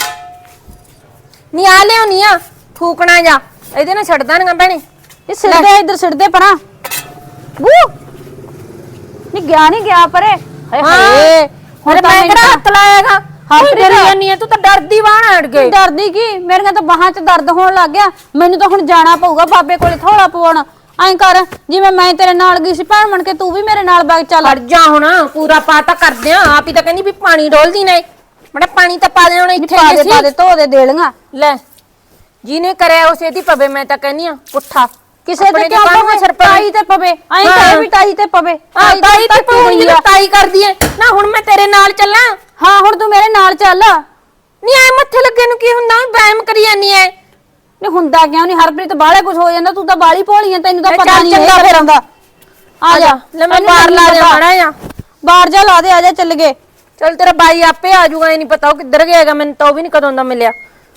S1: ਨਹੀਂ ਆ ਲਿਆਉਣੀ ਆ ਫੂਕਣਾ ਜਾ, ਇਹਦੇ ਨਾਲ ਛੱਡ ਦਾਂਗਾ ਭੈਣੇ।
S2: ਇਹ ਸਿੱਧੇ ਇੱਧਰ ਸਿੱਧੇ ਪਰਾਂ ਬੂ ਨਹੀਂ ਗਿਆ ਨਹੀਂ ਗਿਆ ਪਰੇ। ਹਾਏ ਹਾਏ
S1: ਹੁਣ ਮੈਂ ਕਿਹੜਾ ਹੱਥ ਲਾਇਆਗਾ?
S2: ਹੱਥ
S1: ਡਰੀ ਜਾਨੀ ਆ ਤੂੰ ਤਾਂ ਡਰਦੀ ਬਾਹਰ ਅੜ ਗਈ।
S2: ਡਰਦੀ ਕੀ, ਮੇਰੀਆਂ ਤਾਂ ਬਾਹਾਂ 'ਚ ਦਰਦ ਹੋਣ ਲੱਗ ਗਿਆ। ਮੈਨੂੰ ਤਾਂ ਹੁਣ ਜਾਣਾ ਪਊਗਾ ਬਾਬੇ ਕੋਲੇ ਥੋੜਾ ਪਵਾਉਣ। ਐਂ ਕਰ, ਜਿਵੇਂ ਮੈਂ ਤੇਰੇ ਨਾਲ ਗਈ ਸੀ ਭੈਣ ਬਣ ਕੇ, ਤੂੰ ਵੀ ਮੇਰੇ ਨਾਲ ਬੈਗ ਚੱਲ।
S1: ਹਟ ਜਾ ਹੁਣ, ਪੂਰਾ ਪਾ ਤਾਂ ਕਰਦੇ ਆ। ਆਪ ਹੀ ਤਾਂ ਕਹਿੰਦੀ ਵੀ ਪਾਣੀ ਡੋਲਦੀ ਨੇ, ਬੜਾ ਪਾਣੀ ਤਾਂ ਪਾ ਦੇ ਹੁਣ ਇੱਥੇ।
S2: ਪਾ ਦੇ ਧੋ ਦੇ ਦੇਲੀਆਂ
S1: ਲੈ ਜਿਹਨੇ ਕਰਿਆ ਉਸੇ ਦੀ ਪਵੇ। ਮੈਂ ਤਾਂ ਕਹਿੰਨੀ ਆ ਪੁੱਠਾ
S2: ਕਿਸੇ ਤੇ ਕਿਉਂ ਪਵੇ, ਤਾਈ ਤੇ ਪਵੇ। ਐਂ ਕਹੇ ਵੀ ਤਾਈ ਤੇ ਪਵੇ।
S1: ਤਾਈ ਤੇ ਪਊਗੀ, ਤਾਈ ਕਰਦੀ ਐ ਨਾ। ਹੁਣ ਮੈਂ ਤੇਰੇ ਨਾਲ ਚੱਲਾਂ?
S2: ਹਾਂ ਹੁਣ ਤੂੰ ਮੇਰੇ ਨਾਲ ਚੱਲ।
S1: ਨਹੀਂ ਐ ਮੱਥੇ ਲੱਗੇ ਨੂੰ ਕੀ ਹੁੰਦਾ? ਵਹਿਮ ਕਰੀ ਜਾਨੀ ਐ।
S2: ਨਹੀਂ ਹੁੰਦਾ ਕਿਉਂ ਨਹੀਂ, ਹਰਪ੍ਰੀਤ ਬਾਹਲੇ ਕੁਝ ਹੋ ਜਾਂਦਾ। ਤੂੰ ਤਾਂ ਬਾਹਲੀ ਭੋਲੀ ਐ, ਤੈਨੂੰ ਤਾਂ ਪਤਾ ਨਹੀਂ
S1: ਚੰਗਾ ਫਿਰ ਆਉਂਦਾ।
S2: ਆ ਜਾ
S1: ਲੈ ਮੈਂ ਬਾਹਰ ਲਾ ਦੇ ਮਾੜਾ ਜਾ।
S2: ਬਾਹਰ ਜਾ ਲਾ ਦੇ, ਆ ਜਾ ਚੱਲ ਗਏ।
S1: ਚੱਲ ਤੇਰਾ ਬਾਈ ਆਪੇ ਆ ਜਾਊਗਾ। ਇਹ ਨਹੀਂ ਪਤਾ ਉਹ ਕਿੱਧਰ ਗਿਆ ਹੈਗਾ, ਮੈਨੂੰ ਤਾਂ ਉਹ ਵੀ ਨਹੀਂ ਕਦੋਂ ਦਾ ਮਿਲਿਆ।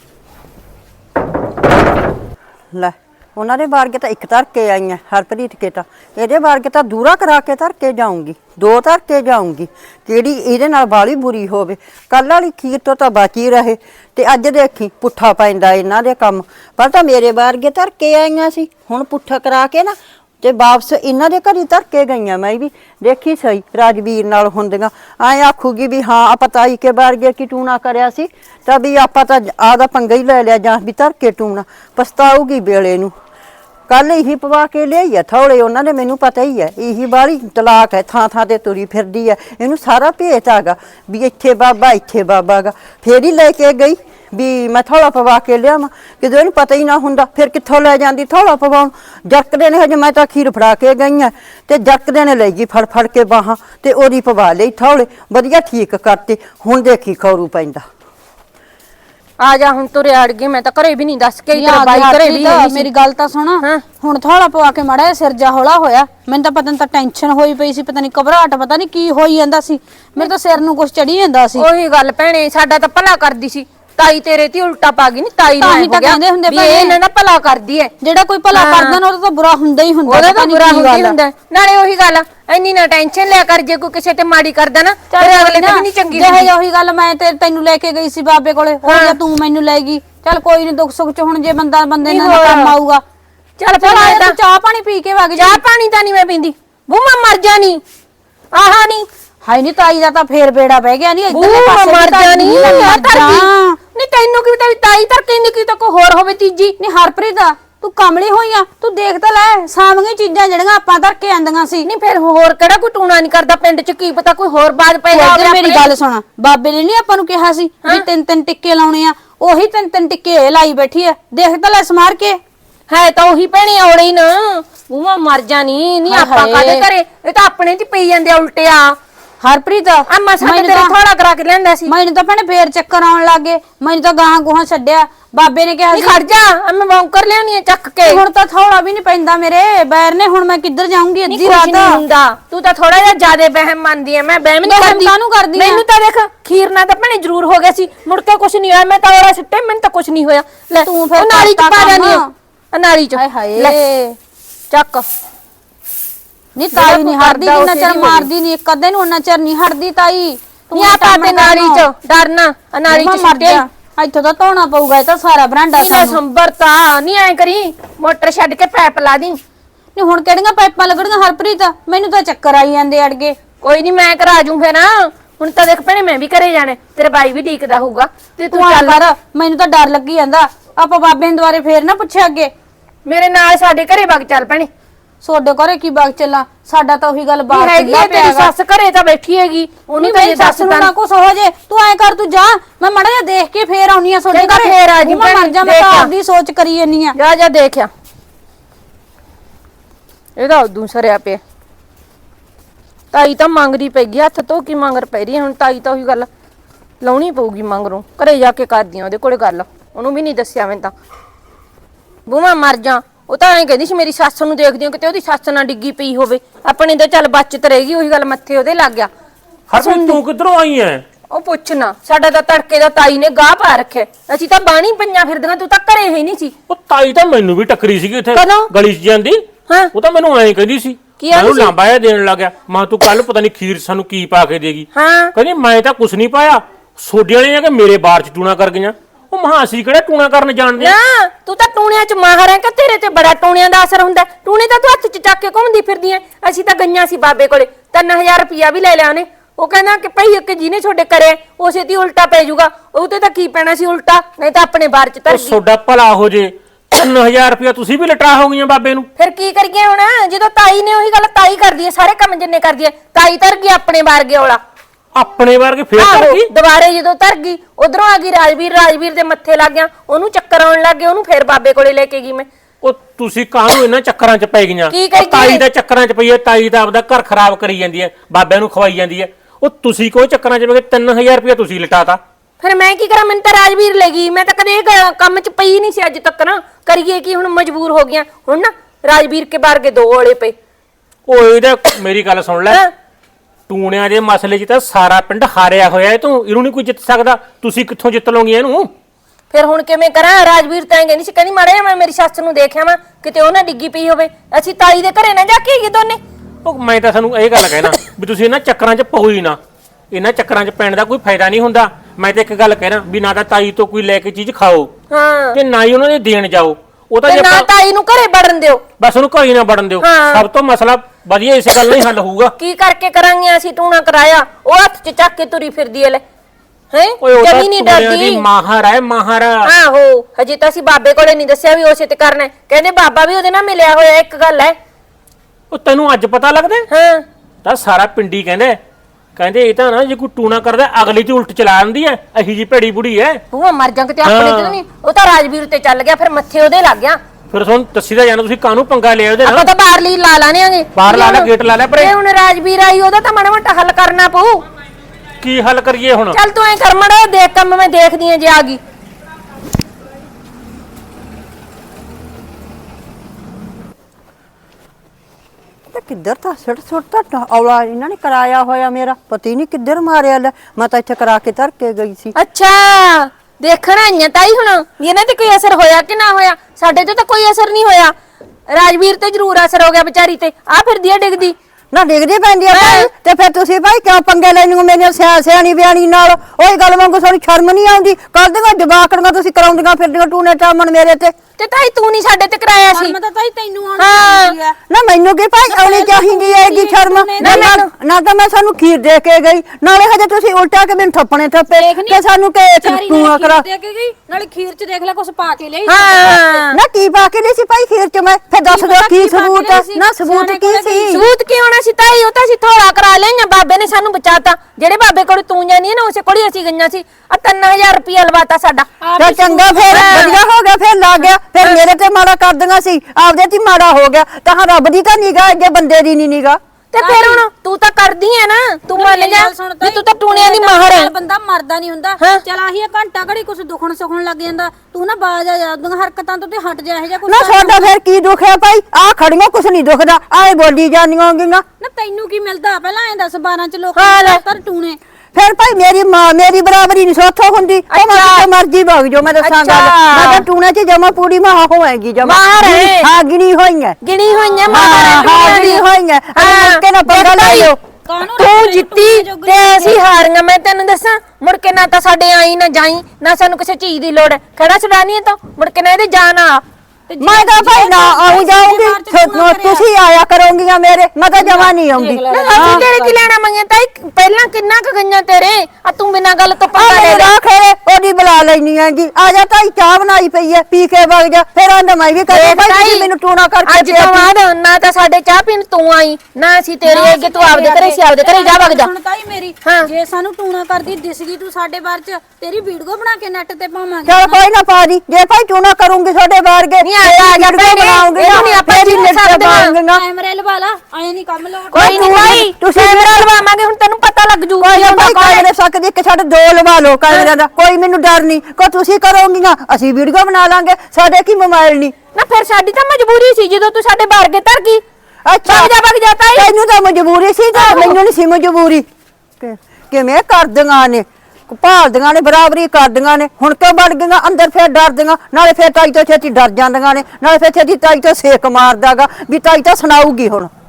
S3: ਲੈ ਉਹਨਾਂ ਦੇ ਬਾਰਗੇ ਤਾਂ ਇੱਕ ਧਰ ਕੇ ਆਈਆਂ ਹਰਪ੍ਰੀਤ ਕੇ, ਤਾਂ ਇਹਦੇ ਬਾਰਗੇ ਤਾਂ ਦੂਰਾ ਕਰਾ ਕੇ ਧਰ ਕੇ ਜਾਊਂਗੀ, 2 ਧਰ ਕੇ ਜਾਊਂਗੀ। ਕਿਹੜੀ ਇਹਦੇ ਨਾਲ ਬਾਲੀ ਬੁਰੀ ਹੋਵੇ। ਕੱਲ ਵਾਲੀ ਖੀਰ ਤੋਂ ਤਾਂ ਬਾਕੀ ਰਹੇ ਤੇ ਅੱਜ ਦੇਖੀ ਪੁੱਠਾ ਪੈਂਦਾ ਇਹਨਾਂ ਦੇ ਕੰਮ। ਪਰ ਤਾਂ ਮੇਰੇ ਬਾਰਗੇ ਧਰ ਕੇ ਆਈਆਂ ਸੀ, ਹੁਣ ਪੁੱਠਾ ਕਰਾ ਕੇ ਨਾ ਤੇ ਵਾਪਸ ਇਹਨਾਂ ਦੇ ਘਰੀ ਧਰ ਕੇ ਗਈਆਂ। ਮੈਂ ਵੀ ਦੇਖੀ ਸਹੀ ਰਾਜਵੀਰ ਨਾਲ ਹੁੰਦੀਆਂ ਐ ਆਖੂਗੀ ਵੀ ਹਾਂ ਆਪਾਂ ਤਾਈ ਕੇ ਬਾਰਗੇ ਕੀ ਟੂਣਾ ਕਰਿਆ ਸੀ, ਤਾਂ ਵੀ ਆਪਾਂ ਤਾਂ ਆਦਾ ਪੰਗਾ ਹੀ ਲੈ ਲਿਆ, ਜਾਂ ਵੀ ਧਰ ਕੇ ਟੂਣਾ। ਪਛਤਾਊਗੀ ਵੇਲੇ ਨੂੰ। ਕੱਲ ਇਹੀ ਪਵਾ ਕੇ ਲਿਆਈ ਆ ਥੋੜੇ ਉਹਨਾਂ ਨੇ, ਮੈਨੂੰ ਪਤਾ ਹੀ ਹੈ। ਇਹੀ ਬਾਹਲੀ ਤਲਾਕ ਹੈ, ਥਾਂ ਥਾਂ ਤੇ ਤੁਰੀ ਫਿਰਦੀ ਹੈ। ਇਹਨੂੰ ਸਾਰਾ ਭੇਤ ਹੈਗਾ ਵੀ ਇੱਥੇ ਬਾਬਾ ਇੱਥੇ ਬਾਬਾ ਗਾ। ਫੇਰ ਹੀ ਲੈ ਕੇ ਗਈ ਵੀ ਮੈਂ ਥੋੜਾ ਪਵਾ ਕੇ ਲਿਆਵਾਂ। ਕਿਦੋਂ ਇਹਨੂੰ ਪਤਾ ਹੀ ਨਾ ਹੁੰਦਾ ਫਿਰ ਕਿੱਥੋਂ ਲੈ ਜਾਂਦੀ ਥੋੜਾ ਪਵਾਉਣ। ਜਰਕਦੇ ਨੇ ਹਜੇ, ਮੈਂ ਤਾਂ ਖੀਰ ਫੜਾ ਕੇ ਗਈ ਆ ਤੇ ਜਰਕਦੇ ਨੇ ਲੈ ਗਈ ਫੜ ਫੜ ਕੇ ਬਾਹਾਂ ਤੇ ਉਹਦੀ ਪਵਾ ਲਈ ਥੋੜੇ। ਵਧੀਆ ਠੀਕ ਕਰਤੇ। ਹੁਣ ਦੇਖੀ ਖੌਰੂ ਪੈਂਦਾ।
S1: ਆ ਜਾ ਹੁਣ ਤੁਰੇ ਅੜ ਗਏ। ਮੈਂ ਤਾਂ ਘਰੇ ਵੀ ਨਹੀਂ ਦੱਸ ਕੇ ਤੇਰਾ ਬਾਈ ਘਰੇ ਵੀ ਨਹੀਂ ਸੀ।
S2: ਮੇਰੀ ਗੱਲ ਤਾਂ ਸੁਣ, ਹੁਣ ਥੋੜਾ ਪਵਾ ਕੇ ਮੜਾ ਸਿਰ ਜਾ ਹੌਲਾ ਹੋਇਆ। ਮੈਨੂੰ ਤਾਂ ਪਤਾ ਨਹੀਂ, ਤਾਂ ਟੈਨਸ਼ਨ ਹੋਈ ਪਈ ਸੀ, ਪਤਾ ਨਹੀਂ ਘਬਰਾਹਟ, ਪਤਾ ਨਹੀਂ ਕੀ ਹੋਈ ਜਾਂਦਾ ਸੀ। ਮੇਰੇ ਤਾਂ ਸਿਰ ਨੂੰ ਕੁਝ ਚੜੀ ਜਾਂਦਾ ਸੀ।
S1: ਉਹੀ ਗੱਲ ਭੈਣੇ, ਸਾਡਾ ਤਾਂ ਭਲਾ ਕਰਦੀ ਸੀ। ਤਾਈ ਤੇਰੇ ਤੇ ਉਲਟਾ ਪਾ ਗਈ। ਨਹੀਂ ਤਾਈ ਨੂੰ
S2: ਤਾਂ ਕਹਿੰਦੇ ਹੁੰਦੇ
S1: ਵੀ ਇਹ ਇਹਨਾਂ ਦਾ ਭਲਾ ਕਰਦੀ ਐ।
S2: ਜਿਹੜਾ ਕੋਈ ਭਲਾ ਕਰਦਾ ਨਾ ਉਹਦਾ ਤਾਂ ਬੁਰਾ ਹੁੰਦਾ ਹੀ ਹੁੰਦਾ।
S1: ਉਹਦਾ ਤਾਂ ਬੁਰਾ ਹੁੰਦਾ। ਨਾਲੇ ਉਹੀ ਗੱਲ, ਇੰਨੀ ਨਾ ਟੈਨਸ਼ਨ ਲਿਆ ਕਰ। ਜੇ ਕੋਈ ਕਿਸੇ ਤੇ ਮਾੜੀ ਕਰਦਾ ਨਾ ਤੇਰੇ ਅਗਲੇ ਤੇ ਵੀ ਨਹੀਂ ਚੰਗੀ
S2: ਜਿਹੇ ਉਹੀ ਗੱਲ, ਮੈਂ ਤੈਨੂੰ ਲੈ ਕੇ ਗਈ ਸੀ ਬਾਬੇ ਕੋਲੇ, ਹੋਰ ਜਾਂ ਤੂੰ ਮੈਨੂੰ ਲੈ ਗਈ। ਚੱਲ ਕੋਈ ਨਹੀਂ, ਦੁੱਖ ਸੁੱਖ ਚ ਹੁਣ ਜੇ ਬੰਦੇ ਨਾਲ ਕੰਮ ਆਊਗਾ। ਚੱਲ ਫਿਰ ਚਾਹ ਪਾਣੀ ਪੀ ਕੇ ਵਗ ਜਾ।
S1: ਚਾਹ ਪਾਣੀ ਤਾਂ ਨਹੀਂ ਮੈਂ ਪੀਂਦੀ। ਬੂਮਾ ਮਰ ਜਾਣੀ। ਆਹਾ ਨਹੀਂ
S2: ਹਾਏ ਨਹੀਂ, ਤਾਈ ਦਾ ਤਾਂ ਫੇਰ ਬੇੜਾ ਬਹਿ ਗਿਆ। ਨਹੀਂ
S1: ਬੂਮਾ ਮਰ ਜਾਣੀ। ਨਹੀਂ ਤੈਨੂੰ ਕੀ ਪਤਾ ਵੀ ਤਾਈ ਧਰ ਕੇ ਨਹੀਂ ਕੀ ਤਾਂ ਕੋਈ ਹੋਰ ਹੋਵੇ ਤੀਜੀ।
S2: ਨਹੀਂ ਹਰਪ੍ਰੀਤ, ਤੂੰ ਕਮਲੀ ਹੋਈ ਆ। ਤੂੰ ਦੇਖ ਤਾਂ ਲੈ, ਸਾਹਮਣੇ ਚੀਜ਼ਾਂ ਜਿਹੜੀਆਂ ਆਪਾਂ ਧਰ ਕੇ ਆਂਦੀਆਂ ਸੀ।
S1: ਨਹੀਂ ਫਿਰ ਹੋਰ ਕਿਹੜਾ ਕੋਈ ਟੂਣਾ ਨਹੀਂ ਕਰਦਾ ਪਿੰਡ ਚ? ਕੀ ਪਤਾ ਕੋਈ ਹੋਰ ਬਾਤ ਪੈ ਜਾਵੇ।
S2: ਮੇਰੀ ਗੱਲ ਸੁਣ, ਬਾਬੇ ਨੇ ਨਹੀਂ ਆਪਾਂ ਨੂੰ ਕਿਹਾ ਸੀ ਵੀ 3-3 ਟਿੱਕੇ ਲਾਉਣੇ ਆ। ਉਹੀ 3-3 ਟਿੱਕੇ ਇਹ ਲਾਈ ਬੈਠੀ ਆ। ਦੇਖ ਤਾਂ ਲੈ ਸਮਾਰ ਕੇ।
S1: ਹੈ ਤਾਂ ਉਹੀ ਭੈਣੇ ਔੜੇ ਹੀ ਨਾ। ਬੂਮਾ ਮਰ ਜਾਣੀ। ਨਹੀਂ ਆਪਾਂ ਕਾਦੇ ਘਰੇ, ਇਹ ਤਾਂ ਆਪਣੇ ਚ ਪਈ ਜਾਂਦੇ ਆ ਉਲਟਿਆ।
S2: ਹਰਪ੍ਰੀਤ
S1: ਅੰਮਾ ਸਾਡੇ ਤੇਰੇ ਥੋੜਾ ਕਰਾ ਕੇ ਲੈਂਦਾ ਸੀ।
S2: ਮੈਨੂੰ ਤਾਂ ਭੈਣੇ ਫੇਰ ਚੱਕਰ ਆਉਣ ਲੱਗੇ। ਮੈਨੂੰ ਤਾਂ ਗਾਹਾਂ ਗੂਹਾਂ ਛੱਡਿਆ। ਬਾਬੇ ਨੇ ਕਿਹਾ ਸੀ
S1: ਖੜ ਜਾ, ਮੈਂ ਬੌਂਕਰ ਲਿਆਉਣੀ ਆ ਚੱਕ ਕੇ।
S2: ਹੁਣ ਤਾਂ ਥੋੜਾ ਵੀ ਨਹੀਂ ਪੈਂਦਾ ਮੇਰੇ ਬੈਰ ਨੇ। ਹੁਣ ਮੈਂ ਕਿੱਧਰ ਜਾਊਂਗੀ ਅੱਧੀ ਰਾਤ?
S1: ਨਹੀਂ ਹੁੰਦਾ, ਤੂੰ ਤਾਂ ਥੋੜਾ ਜਿਹਾ ਜ਼ਿਆਦਾ ਵਹਿਮ ਮੰਨਦੀ ਐ। ਮੈਂ ਵਹਿਮ ਨਹੀਂ ਕਰਦੀ।
S2: ਕਾਹਨੂੰ ਕਰਦੀ
S1: ਮੈਨੂੰ ਤਾਂ ਦੇਖ ਖੀਰ ਨਾਲ ਤਾਂ ਭੈਣੇ ਜ਼ਰੂਰ ਹੋ ਗਿਆ ਸੀ, ਮੁੜ ਕੇ ਕੁਝ ਨਹੀਂ ਹੋਇਆ। ਮੈਂ ਤਾਂ ਔਰਾ ਸਿੱਟੇ, ਮੈਨੂੰ ਤਾਂ ਕੁਝ ਨਹੀਂ ਹੋਇਆ। ਲੈ
S2: ਤੂੰ ਫਿਰ
S1: ਨਾਲੀ ਚ ਪਾ ਜਾਨੀ ਆ, ਨਾਲੀ ਚ।
S2: ਹਾਏ ਹਾਏ
S1: ਚੱਕ।
S2: ਨਹੀਂ ਤਾਈ ਨਹੀਂ ਹਟਦੀ, ਜਿੰਨਾ ਚਿਰ ਮਾਰਦੀ ਨਹੀਂ ਇੱਕ ਅੱਧੇ ਨੂੰ ਉਹਨਾਂ ਚਿਰ ਨਹੀਂ ਹਟਦੀ ਤਾਈ।
S1: ਤੂੰ ਆ ਪਾ ਤੇ ਨਾਲੀ ਚ, ਡਰਨਾ ਨਾਲੀ ਚ
S2: ਮਰ ਜਾ। ਇੱਥੋਂ ਤਾਂ ਧੋਣਾ ਪਊਗਾ, ਇਹ ਤਾਂ ਸਾਰਾ ਬਰਾਂਡਾ
S1: ਸੰਭਰਤਾ ਨਹੀਂ। ਐ ਕਰੀ, ਮੋਟਰ ਛੱਡ ਕੇ ਪੈਪ ਲਾ ਦੀ।
S2: ਨਹੀਂ ਹੁਣ ਕਿਹੜੀਆਂ ਪਾਈਪਾਂ ਲੱਗਣੀਆਂ ਹਰਪ੍ਰੀਤ? ਮੈਨੂੰ ਤਾਂ ਚੱਕਰ ਆਈ ਜਾਂਦੇ ਅੜਗੇ।
S1: ਕੋਈ ਨਹੀਂ, ਮੈਂ ਕਰਾ ਜੂ ਫਿਰ। ਹੁਣ ਤਾਂ ਦੇਖ ਭੈਣੇ, ਮੈਂ ਵੀ ਘਰੇ ਜਾਣਾ, ਤੇਰੇ ਬਾਈ ਵੀ ਢੀਕਦਾ ਹੋਊਗਾ ਤੇ
S2: ਤੂੰ ਚੱਲ ਕਰ। ਮੈਨੂੰ ਤਾਂ ਡਰ ਲੱਗੀ ਜਾਂਦਾ। ਆਪਾਂ ਬਾਬੇ ਦੇ ਦੁਆਰੇ ਫੇਰ ਨਾ ਪੁੱਛਿਆ ਅੱਗੇ।
S1: ਮੇਰੇ ਨਾਲ ਸਾਡੇ ਘਰੇ ਵਗ ਚੱਲ ਭੈਣੇ।
S2: ਸੋਡੇ ਘਰੇ ਕੀ ਬਾਗ ਚੱਲਾਂ? ਸਾਡਾ ਤਾਂ ਉਹੀ ਗੱਲ ਬਾਤ
S1: ਹੈਗੀ ਹੈ। ਤੇਰੀ ਸੱਸ ਘਰੇ ਤਾਂ ਬੈਠੀ ਹੈਗੀ, ਉਹਨੂੰ ਤਾਂ ਇਹ ਦੱਸ
S2: ਨਾ ਕੁਛ ਹੋ ਜੇ। ਤੂੰ ਐ ਕਰ, ਤੂੰ ਜਾ, ਮੈਂ ਮੜਾ ਜਾ ਦੇਖ ਕੇ ਫੇਰ ਆਉਣੀ ਆ ਸੋਡੇ ਘਰੇ।
S1: ਫੇਰ ਆ ਜੀ,
S2: ਮੈਂ ਮਰ ਜਾ, ਮੈਂ ਤਾਂ ਆਪਦੀ ਸੋਚ ਕਰੀ ਜਾਨੀ ਆ।
S1: ਜਾ ਜਾ ਦੇਖਿਆ, ਇਹਦਾ ਉਦੋਂ ਸਰਿਆ ਪਿਆ। ਤਾਈ ਤਾਂ ਮੰਗਦੀ ਪੈ ਗਈ, ਹੱਥ ਧੋ ਕੇ ਮੰਗਰ ਪੈ ਰਹੀ। ਹੁਣ ਤਾਈ ਤਾਂ ਉਹੀ ਗੱਲ ਲਾਉਣੀ ਪਊਗੀ ਮੰਗਰੋਂ। ਘਰੇ ਜਾ ਕੇ ਕਰਦੀ ਆ ਉਹਦੇ ਕੋਲੇ ਗੱਲ। ਉਹਨੂੰ ਵੀ ਨਹੀਂ ਦੱਸਿਆ ਮੈਂ ਤਾਂ। ਬੂਮਾ ਮਰ ਜਾ। ਉਹ ਤਾਂ ਐਂ ਕਹਿੰਦੀ ਸੀ ਮੇਰੀ ਸੱਸ ਨੂੰ ਦੇਖਦੀ ਹਾਂ ਕਿਤੇ ਉਹਦੀ ਸੱਸ ਨਾ ਡਿੱਗੀ ਪਈ ਹੋਵੇ। ਆਪਣੇ ਤਾਂ ਚੱਲ ਬਚਤ ਰਹੇਗੀ। ਉਹੀ ਗੱਲ ਮੱਥੇ ਉਹਦੇ ਲੱਗ ਗਿਆ।
S4: ਹਰਪ੍ਰੀਤ ਤੂੰ ਕਿੱਧਰੋਂ ਆਈ ਐ?
S1: ਉਹ ਪੁੱਛਣਾ, ਸਾਡਾ ਤਾਂ ਤੜਕੇ ਦਾ ਤਾਈ ਨੇ ਗਾਹ ਪਾ ਰੱਖਿਆ। ਅਸੀਂ ਤਾਂ ਬਾਣੀ ਪੰਜਾਂ ਫਿਰਦੀਆਂ, ਤੂੰ ਤਾਂ ਘਰੇ ਹੀ ਨਹੀਂ ਸੀ।
S4: ਉਹ ਤਾਈ ਤਾਂ ਮੈਨੂੰ ਵੀ ਟੱਕਰੀ ਸੀਗੀ ਇੱਥੇ
S1: ਕਦੋਂ?
S4: ਗਲੀ 'ਚ ਜਾਂਦੀ।
S1: ਹਾਂ
S4: ਉਹ ਤਾਂ ਮੈਨੂੰ ਐਂ ਕਹਿੰਦੀ ਸੀ
S1: ਕੀ
S4: ਮੈਨੂੰ ਲਾਂਬਾ ਜਿਹਾ ਦੇਣ ਲੱਗਿਆ। ਮਾਂ ਤੂੰ ਕੱਲ ਪਤਾ ਨਹੀਂ ਖੀਰ ਸਾਨੂੰ ਕੀ ਪਾ ਕੇ ਦੇਗੀ।
S1: ਹਾਂ
S4: ਕਹਿੰਦੀ ਮੈਂ ਤਾਂ ਕੁਛ ਨਹੀਂ ਪਾਇਆ, ਸੋਡੇ ਵਾਲੇ ਆ ਕਿ ਮੇਰੇ ਬਾਰ ਚ ਟੂਣਾ ਕਰ ਗਈਆਂ। ਉਹ ਮਹਾਂ ਅਸੀਂ ਕਿਹੜਾ ਟੂਣਾ ਕਰਨ ਜਾਣਦੇ ਆ?
S1: ਨਾ ਤੂੰ ਤਾਂ ਟੂਣਿਆਂ 'ਚ ਮਾਹਰ ਹੈ ਕਿ ਤੇਰੇ ਤੇ ਬੜਾ ਟੂਣਿਆਂ ਦਾ ਅਸਰ ਹੁੰਦਾ। ਟੂਣੇ ਤਾਂ ਤੂੰ ਹੱਥ 'ਚ ਚੱਕ ਕੇ ਘੁੰਮਦੀ ਫਿਰਦੀ ਐ। ਅਸੀਂ ਤਾਂ ਗਈਆਂ ਸੀ ਬਾਬੇ ਕੋਲੇ, 3000 ਰੁਪਇਆ ਵੀ ਲੈ ਲਿਆ ਉਹਨੇ। ਉਹ ਕਹਿੰਦਾ ਕਿ ਭਈ ਇੱਕ ਜਿਹਨੇ ਛੋਡੇ ਕਰੇ ਉਸੇ ਦੀ ਉਲਟਾ ਪੈ ਜਾਊਗਾ। ਉਹ ਤੇ ਤਾਂ ਕੀ ਪੈਣਾ ਸੀ ਉਲਟਾ, ਨਹੀਂ ਤਾਂ ਆਪਣੇ ਬਾਰ 'ਚ ਧਰ ਗਈ।
S4: ਸੋਡਾ ਭਲਾ ਹੋ ਜੇ, 3000 ਰੁਪਇਆ ਤੁਸੀਂ ਵੀ ਲਟਾ ਹੋ ਗਈਆਂ ਬਾਬੇ ਨੂੰ।
S1: ਫਿਰ ਕੀ ਕਰੀਏ ਹੁਣ, ਜਦੋਂ ਤਾਈ ਨੇ ਉਹੀ ਗੱਲ ਤਾਈ ਕਰਦੀ ਐ, ਸਾਰੇ ਕੰਮ ਜਿੰਨੇ ਕਰਦੀ ਐ। ਤਾਈ ਧਰ ਗਈ ਆਪਣੇ ਵਰਗੇ ਔਲਾ,
S4: ਆਪਣੇ ਵਰਗੇ ਫੇਰ ਕਰ
S1: ਆਹੋ,
S4: ਗਈ।
S1: ਦੁਬਾਰੇ ਜਦੋਂ ਧਰ ਗਈ ਉਧਰੋਂ ਆ ਗਈ ਰਾਜਵੀਰ ਦੇ ਮੱਥੇ ਲੱਗ ਗਿਆ, ਉਹਨੂੰ ਚੱਕਰ ਆਉਣ ਲੱਗ ਗਏ, ਉਹਨੂੰ ਫੇਰ ਬਾਬੇ ਕੋਲੇ ਲੈ ਕੇ ਗਈ ਮੈਂ।
S4: ਉਹ ਤੁਸੀਂ ਕਾਹਨੂੰ ਇਹਨਾਂ ਚੱਕਰਾਂ 'ਚ ਪੈ ਗਈਆਂ?
S1: ਕੀ ਕਰੀਏ?
S4: ਤਾਈ ਦਾ ਚੱਕਰਾਂ 'ਚ ਪਈ ਐ, ਤਾਈ ਦਾ ਆਪਦਾ ਘਰ ਖਰਾਬ ਕਰੀ ਜਾਂਦੀ ਐ, ਬਾਬਿਆਂ ਨੂੰ ਖਵਾਈ ਜਾਂਦੀ ਐ। ਉਹ ਤੁਸੀਂ ਕੋਈ ਚੱਕਰਾਂ 'ਚ ਪੈ ਗਏ, 3000 ਰੁਪਇਆ ਤੁਸੀਂ ਲਟਾਤਾ।
S1: ਫਿਰ ਮੈਂ ਕੀ ਕਰਾਂ, ਮੈਨੂੰ ਤਾਂ ਰਾਜਵੀਰ ਲੈ ਗਈ। ਮੈਂ ਤਾਂ ਕਦੇ ਇਹ ਕੰਮ 'ਚ ਪਈ ਨਹੀਂ ਸੀ ਅੱਜ ਤੱਕ ਨਾ। ਕਰੀਏ ਕੀ ਹੁਣ, ਮਜਬੂਰ ਹੋ ਗਿਆ ਹੁਣ ਨਾ। ਰਾਜਵੀਰ ਕੇ ਬਾਹਰ ਕੇ 2 ਔਲੇ ਪਏ।
S4: ਉਹ ਇਹਦਾ ਮੇਰੀ ਗੱਲ ਸੁਣ ਲੈ,
S1: ਹਾਂ।
S4: ਟੂਣਿਆਂ ਦੇ ਮਸਲੇ 'ਚ ਤਾਂ ਸਾਰਾ ਪਿੰਡ ਹਾਰਿਆ ਹੋਇਆ ਹੈ। ਤੂੰ ਇਹਨੂੰ ਨਹੀਂ ਕੋਈ ਜਿੱਤ ਸਕਦਾ। ਤੁਸੀਂ ਕਿੱਥੋਂ ਜਿੱਤ ਲਓਗੇ ਇਹਨੂੰ?
S1: ਫਿਰ ਹੁਣ ਕਿਵੇਂ ਕਰਾਂ? ਰਾਜਵੀਰ ਤਾਂ ਕਹਿੰਦੀ ਸੀ, ਕਹਿੰਦੀ ਮਾੜਾ ਜਿਹਾ ਮੈਂ ਮੇਰੀ ਸੱਸ ਨੂੰ ਦੇਖਿਆ ਵਾ, ਕਿਤੇ ਉਹ ਨਾ ਡਿੱਗੀ ਪਈ ਹੋਵੇ। ਅਸੀਂ ਤਾਈ ਦੇ ਘਰੇ ਨਾ ਜਾ ਕੇ ਆਈਏ ਦੋਨੇ।
S4: ਉਹ ਮੈਂ ਤਾਂ ਤੁਹਾਨੂੰ ਇਹ ਗੱਲ ਕਹਿਣਾ ਵੀ ਤੁਸੀਂ ਇਹਨਾਂ ਚੱਕਰਾਂ 'ਚ ਪਹੋ ਹੀ ਨਾ। ਇਹਨਾਂ ਚੱਕਰਾਂ 'ਚ ਪੈਣ ਦਾ ਕੋਈ ਫਾਇਦਾ ਨਹੀਂ ਹੁੰਦਾ। ਮੈਂ ਤਾਂ ਇੱਕ ਗੱਲ ਕਹਿਣਾ ਵੀ ਨਾ ਤਾਂ ਤਾਈ ਤੋਂ ਕੋਈ ਲੈ ਕੇ ਚੀਜ਼ ਖਾਓ
S1: ਹਾਂ,
S4: ਤੇ ਨਾ ਹੀ ਉਹਨਾਂ ਦੇ ਦੇਣ ਜਾਓ। ਉਹ ਤਾਂ
S1: ਤੇ
S4: ਜੇ
S1: ਨਾ
S4: ਆਪਾਂ
S1: ਤਾਈ ਨੂੰ ਘਰੇ ਵੜਨ ਦਿਓ।
S4: ਬਸ ਉਹਨੂੰ ਘਰ ਹੀ ਨਾ ਵੜਨ ਦਿਓ।
S1: ਹਾਂ।
S4: ਸਭ ਤੋਂ ਮਸਲਾ ਵਧੀਆ ਇਸੇ ਗੱਲ ਨਾਲ ਹੀ ਹੱਲ ਹੋਊਗਾ।
S1: ਕੀ ਕਰਕੇ ਕਰਾਂਗੇ ਅਸੀਂ? ਟੂਣਾ ਕਰਾਇਆ, ਉਹ ਹੱਥ 'ਚ ਚੱਕ ਕੇ ਤੁਰੀ ਫਿਰਦੀ ਐ ਲੈ। ਹੈ
S4: ਓਏ ਉਹ ਤਾਂ
S1: ਜਮੀ ਨਹੀਂ
S4: ਟੂਣਿਆਂ
S1: ਡਰਦੀ।
S4: ਦੀ ਮਾਹਰ ਹੈ, ਮਾਹਰ।
S1: ਆਹੋ, ਹਜੇ ਤਾਂ ਅਸੀਂ ਬਾਬੇ ਕੋਲੇ ਨਹੀਂ ਦੱਸਿਆ ਵੀ ਉਸੇ ਤੇ ਕਰਨਾ ਹੈ। ਕਹਿੰਦੇ ਬਾਬਾ ਵੀ ਉਹਦੇ ਨਾਲ ਮਿਲਿਆ ਹੋਇਆ। ਇੱਕ ਗੱਲ ਹੈ।
S4: ਉਹ ਤੈਨੂੰ ਅੱਜ ਪਤਾ ਲੱਗਦਾ?
S1: ਹਾਂ,
S4: ਤਾਂ ਸਾਰਾ ਪਿੰਡੀ ਕਹਿੰਦੇ ਇਹ ਤਾਂ ਨਾ ਜੇ ਕੋਈ ਟੂਣਾ ਕਰਦਾ ਅਗਲੀ ਤੇ ਉਲਟ ਚਲਾ ਦਿੰਦੀ ਐ। ਅਹੀ ਜੀ ਭੇੜੀ ਬੁੜੀ ਐ।
S1: ਉਹ ਮਰ ਜਾਂ ਕਿਤੇ ਆਪਣੇ ਤੇ ਨਹੀਂ। ਉਹ ਤਾਂ ਰਾਜਵੀਰ ਤੇ ਚੱਲ ਗਿਆ, ਫਿਰ ਮੱਥੇ ਉਹਦੇ ਲੱਗ ਗਿਆ।
S4: ਫਿਰ ਤੁਹਾਨੂੰ ਦੱਸੀ ਦਾ ਜਾਣਾ ਤੁਸੀਂ ਕਾਹਨੂੰ ਪੰਗਾ ਲਿਆ ਉਹਦੇ
S1: ਆਪਾਂ
S4: ਨਾਲ?
S1: ਤਾਂ ਬਾਹਰਲੀ ਲਾ ਲਾਣੇਗੇ।
S4: ਬਾਹਰ ਲਾ ਲੈ, ਗੇਟ ਲਾ ਲੈ ਪਰੇ।
S1: ਤੇ ਹੁਣ ਰਾਜਵੀਰ ਆਈ, ਉਹਦਾ ਤਾਂ ਮਾੜਾ ਮੋਟਾ ਹੱਲ ਕਰਨਾ ਪਊ।
S4: ਕੀ ਹੱਲ ਕਰੀਏ ਹੁਣ?
S1: ਚੱਲ ਤੂੰ ਐ ਕਰ, ਮੜਾ ਦੇਖ ਕੰਮ ਮੈਂ ਦੇਖਦੀ ਆ ਜੇ ਆ ਗਈ।
S3: ਤੇ ਕਿੱਧਰ ਤਾਂ ਸੁੱਟ ਔਲਾ ਇਹਨਾਂ ਨੇ ਕਰਾਇਆ ਹੋਇਆ। ਮੇਰਾ ਪਤਾ ਹੀ ਨਹੀਂ ਕਿੱਧਰ ਮਾਰਿਆ। ਲੈ ਮੈਂ ਤਾਂ ਇੱਥੇ ਕਰਾ ਕੇ ਧਰ ਕੇ ਗਈ ਸੀ।
S1: ਅੱਛਾ, ਦੇਖਣ ਆਈਆਂ ਤਾਈ ਹੁਣ ਵੀ ਇਹਨਾਂ ਤੇ ਕੋਈ ਅਸਰ ਹੋਇਆ ਕਿ ਨਾ ਹੋਇਆ। ਸਾਡੇ ਤੇ ਤਾਂ ਕੋਈ ਅਸਰ ਨਹੀਂ ਹੋਇਆ। ਰਾਜਵੀਰ ਤੇ ਜ਼ਰੂਰ ਅਸਰ ਹੋ ਗਿਆ ਵਿਚਾਰੀ ਤੇ। ਆ ਫਿਰਦੀ ਆ ਡਿੱਗਦੀ।
S3: ਨਾ ਡਿੱਗਦੀ ਪੈਂਦੀ ਆ ਭਾਈ। ਤੇ ਫਿਰ ਤੁਸੀਂ ਭਾਈ ਕਿਉਂ ਪੰਗੇ ਲੈਣੀ ਮੇਰੇ ਸਿਆਣੀ ਬਿਆਣੀ ਨਾਲ? ਉਹੀ ਗੱਲ ਵਾਂਗੂ ਸਾਨੂੰ ਸ਼ਰਮ ਨਹੀਂ ਆਉਂਦੀ? ਕਰਦੀਆਂ ਜਵਾਕੜੀਆਂ ਤੁਸੀਂ ਕਰਾਉਂਦੀਆਂ ਫਿਰਦੀਆਂ ਟੂਣੇ ਟਾਮਣ ਮੇਰੇ ਤੇ।
S1: ਤੇ ਤਾਈ ਤੂੰ ਨਹੀਂ ਸਾਡੇ ਤੇ ਕਰਾਇਆ ਸੀ?
S2: ਮੈਂ ਤਾਂ ਤਾਈ ਤੈਨੂੰ ਆਉਣੀ
S1: ਹਾਂ।
S2: ਚਾਹੀਦੀ ਆ।
S3: ਨਾ ਮੈਨੂੰ ਕੀ ਭਾਈ ਆਉਣੀ ਚਾਹੀਦੀ ਹੈਗੀ ਸ਼ਰਮ? ਨਾ ਤਾਂ ਮੈਂ ਸਾਨੂੰ ਖੀਰ ਦੇ ਕੇ ਗਈ, ਨਾਲੇ ਹਜੇ ਤੁਸੀਂ ਉਲਟਾ ਕੇ ਮੈਨੂੰ ਥੱਪਣੇ ਥੱਪੇ ਕਿ ਸਾਨੂੰ ਕਿ ਟੂਣਾ ਕਰਾ।
S2: ਦੇ ਕੇ ਗਈ ਨਾਲੇ ਖੀਰ ਚ ਦੇਖ ਲੈ ਕੁਛ ਪਾ ਕੇ ਲਈ।
S1: ਹਾਂ,
S3: ਨਾ ਕੀ ਪਾ ਕੇ ਲਈ ਸੀ ਭਾਈ ਖੀਰ ਚ? ਮੈਂ ਫਿਰ ਦੱਸ ਦਿਓ ਕੀ ਸਬੂਤ ਹੈ? ਨਾ ਸਬੂਤ ਕੀ ਸੀ?
S1: ਸਬੂਤ ਕੀ ਹੋਣਾ ਸੀ ਤਾਈ? ਉਹ ਤਾਂ ਅਸੀਂ ਥੋੜਾ ਕਰਾ ਲਿਆ, ਬਾਬੇ ਨੇ ਸਾਨੂੰ ਬਚਾਤਾ। ਜਿਹੜੇ ਬਾਬੇ ਕੋਲ ਤੂੰ ਜਾਨੀ ਹੈ ਨਾ, ਉਸੇ ਕੋਲ ਹੀ ਅਸੀਂ ਗਈਆਂ ਸੀ। ਆ 3000 ਰੁਪਇਆ ਲਵਾਤਾ ਸਾਡਾ।
S3: ਤਾਂ ਚੰਗਾ ਫਿਰ ਵਧੀਆ ਹੋ ਗਿਆ, ਫਿਰ ਲੱਗ ਗਿਆ। ਫਿਰ ਮੇਰੇ ਤੇ ਮਾੜਾ ਕਰਦੀਆਂ ਸੀ, ਆਪਦੇ ਤੇ ਮਾੜਾ ਹੋ ਗਿਆ। ਤਾਂ ਰੱਬ ਦੀ ਤਾਂ ਨਿਗਾਹ ਅੱਗੇ ਬੰਦੇ ਦੀ ਨਹੀਂ ਨਿਗਾਹ।
S1: ਤੇ ਫਿਰ ਹੁਣ ਤੂੰ ਤਾਂ ਕਰਦੀ ਐ ਨਾ, ਤੂੰ ਮੰਨ ਜਾ ਵੀ ਤੂੰ ਤਾਂ ਟੂਣਿਆਂ ਦੀ ਮਾਹਰ ਐ।
S2: ਬੰਦਾ ਮਰਦਾ ਨਹੀਂ ਹੁੰਦਾ। ਚਲ ਆਹੀ ਘੰਟਾ ਘੜੀ ਕੁਛ ਦੁਖਣ ਸੁਖਣ ਲੱਗ ਜਾਂਦਾ। ਤੂੰ ਨਾ ਬਾਜ ਆ ਜਾਂਦੀਆਂ ਹਰਕਤਾਂ ਤੋਂ ਤੇ ਹਟ ਜਾ। ਇਹ ਜਾਂ ਕੁਛ
S3: ਨਾ ਸਾਡਾ ਫਿਰ ਕੀ ਦੁੱਖ ਹੈ ਭਾਈ? ਆ ਖੜੀਆਂ ਕੁਛ ਨਹੀਂ ਦੁਖਦਾ, ਆਏ ਬੋਲੀ ਜਾਂਦੀਆਂ ਗੀਆਂ।
S2: ਨਾ ਤੈਨੂੰ ਕੀ ਮਿਲਦਾ? ਪਹਿਲਾਂ ਐਂ ਦੱਸ 12 ਚ ਲੋਕ ਕਰ ਟੂਣੇ।
S3: ਫਿਰ ਭਾਈ ਮੇਰੀ ਮਾਂ ਮੇਰੀ ਬਰਾਬਰੀ ਨਹੀਂ ਸੋਥੋਂ ਹੁੰਦੀ। ਉਹ ਮੈਂ ਜਿੱਥੇ ਮਰਜੀ ਭਗ ਜੋ। ਮੈਂ ਦੱਸਾਂ ਗੱਲ, ਮੈਂ ਤਾਂ ਟੂਣੇ ਚ ਜਮਾ ਪੂਰੀ ਮਾਂ ਹੋਏਗੀ ਜਮਾ।
S1: ਮਾਰ ਹੈ।
S3: ਹਾਂ ਗਿਣੀ ਹੋਈਆਂ,
S1: ਗਿਣੀ ਹੋਈਆਂ
S3: ਹਾਂ ਹਾਂ ਗਿਣੀ ਹੋਈਆਂ। ਮੁੜ ਕੇ ਨਾ ਪੰਗਾ ਲੈ ਲਿਓ।
S1: ਤੂੰ ਜਿੱਤੀ ਤੇ ਅਸੀਂ ਹਾਰੀਆਂ। ਮੈਂ ਤੈਨੂੰ ਦੱਸਾਂ, ਮੁੜ ਕੇ ਨਾ ਤਾਂ ਸਾਡੇ ਆਈ ਨਾ ਜਾਈ, ਨਾ ਸਾਨੂੰ ਕਿਸੇ ਚੀਜ਼ ਦੀ ਲੋੜ। ਖੜਾ ਛਡਾਣੀ ਤਾਂ ਮੁੜ ਕੇ ਨਾ ਇਹਦੇ ਜਾਨ ਆ।
S3: ਮੈਂ ਤਾਂ ਭਾਈ ਨਾ ਆਉਂ ਜਾਊਂਗੀ, ਤੁਸੀਂ ਆਇਆ ਕਰੋਗੀਆਂ ਮੇਰੇ। ਮੈਂ ਤਾਂ ਜਮਾ ਨਹੀਂ ਆਉਂਦੀ।
S1: ਅਸੀਂ ਤੇਰੇ ਕੀ ਲੈਣਾ ਮੰਗਿਆ ਤਾਈ? ਪਹਿਲਾਂ ਕਿੰਨਾ ਕੁ ਗਈਆਂ ਤੇਰੇ। ਆ ਤੂੰ ਬਿਨਾਂ ਗੱਲ ਤੋਂ ਪੰਗਾ ਲੈ ਲੈ।
S3: ਖੇਰੇ ਉਹਦੀ ਬੁਲਾ ਲੈਣੀ ਹੈਗੀ। ਆ ਜਾ ਤਾਈ, ਚਾਹ ਬਣਾਈ ਪਈ ਐ, ਪੀ ਕੇ ਵਗ ਜਾ। ਫਿਰ ਆਂਦਾ ਮੈਂ ਵੀ ਕਰੇ ਭਾਈ ਤੁਸੀਂ ਮੈਨੂੰ ਟੂਣਾ ਕਰਕੇ
S1: ਅੱਜ ਤੋਂ ਬਾਅਦ ਨਾ ਤਾਂ ਸਾਡੇ ਚਾਹ ਪੀਣ ਤੂੰ ਆਈ, ਨਾ ਅਸੀਂ ਤੇਰੇ ਅੱਗੇ। ਤੂੰ ਆਪਦੇ ਘਰੇ ਸੀ, ਆਪਦੇ ਘਰੇ ਜਾ ਵਗ ਜਾ।
S2: ਸੁਣ ਤਾਈ ਮੇਰੀ, ਜੇ ਸਾਨੂੰ ਟੂਣਾ ਕਰਦੀ ਦਿਸ ਗਈ ਤੂੰ ਸਾਡੇ ਬਾਰ ਚ, ਤੇਰੀ ਵੀਡੀਓ ਬਣਾ ਕੇ ਨੈਟ ਤੇ ਪਾਵਾਂਗੇ।
S3: ਚਲ ਕੋਈ ਨਾ ਪਾ ਦੀ। ਜੇ ਭਾਈ ਟੂਣਾ ਕਰੂੰਗੀ ਤੁਹਾਡੇ ਵਰਗੇ ਬਣਾਉਂਗੇ
S2: ਕੈਮਰੇ ਲਵਾ ਲਾ, ਐ ਨਹੀਂ ਕੰਮ ਲੋਟ।
S1: ਕੋਈ ਨਹੀਂ ਭਾਈ, ਤੁਸੀਂ ਕੈਮਰਾ ਲਵਾਵਾਂਗੇ। ਹੁਣ ਤੈਨੂੰ ਪਤਾ ਲੱਗ ਜੂ।
S3: ਕੈਮਰੇ ਸਕਦੇ ਇੱਕ ਛੱਡ 2 ਲਵਾ ਲਓ ਕੈਮਰਿਆਂ ਦਾ। ਕੋਈ ਮੈਨੂੰ ਡਰ ਨਹੀਂ। ਕੋ ਤੁਸੀਂ ਕਰੋਗੀਆਂ, ਅਸੀਂ ਵੀਡੀਓ ਬਣਾ ਲਾਂਗੇ। ਸਾਡੇ ਕੀ ਮੋਬਾਈਲ ਨਹੀਂ।
S1: ਨਾ ਫਿਰ ਸਾਡੀ ਤਾਂ ਮਜਬੂਰੀ ਸੀ ਜਦੋਂ ਤੂੰ ਸਾਡੇ ਬਾਰਗੇ ਧਰ ਗਈ।
S3: ਅੱਛਾ
S1: ਵਗ ਜਾ ਤਾਈ।
S3: ਤੈਨੂੰ ਤਾਂ ਮਜਬੂਰੀ ਸੀ, ਤਾਂ ਮੈਨੂੰ ਨਹੀਂ ਸੀ ਮਜਬੂਰੀ। ਕਿਵੇਂ ਕਰਦੀਆਂ ਨੇ, ਭਾਲਦੀਆਂ ਨੇ, ਬਰਾਬਰੀ ਕਰਦੀਆਂ ਨੇ। ਹੁਣ ਕਿਉਂ ਵੜ ਗਈਆਂ ਅੰਦਰ? ਫਿਰ ਡਰਦੀਆਂ। ਨਾਲੇ ਫਿਰ ਤਾਈ ਤੋਂ ਛੇਤੀ ਡਰ ਜਾਂਦੀਆਂ ਨੇ, ਨਾਲੇ ਫਿਰ ਛੇਤੀ ਤਾਈ ਤੋਂ ਸੇਕ ਮਾਰਦਾਗਾ ਵੀ ਤਾਈ ਤਾਂ ਸੁਣਾਊਗੀ ਹੁਣ।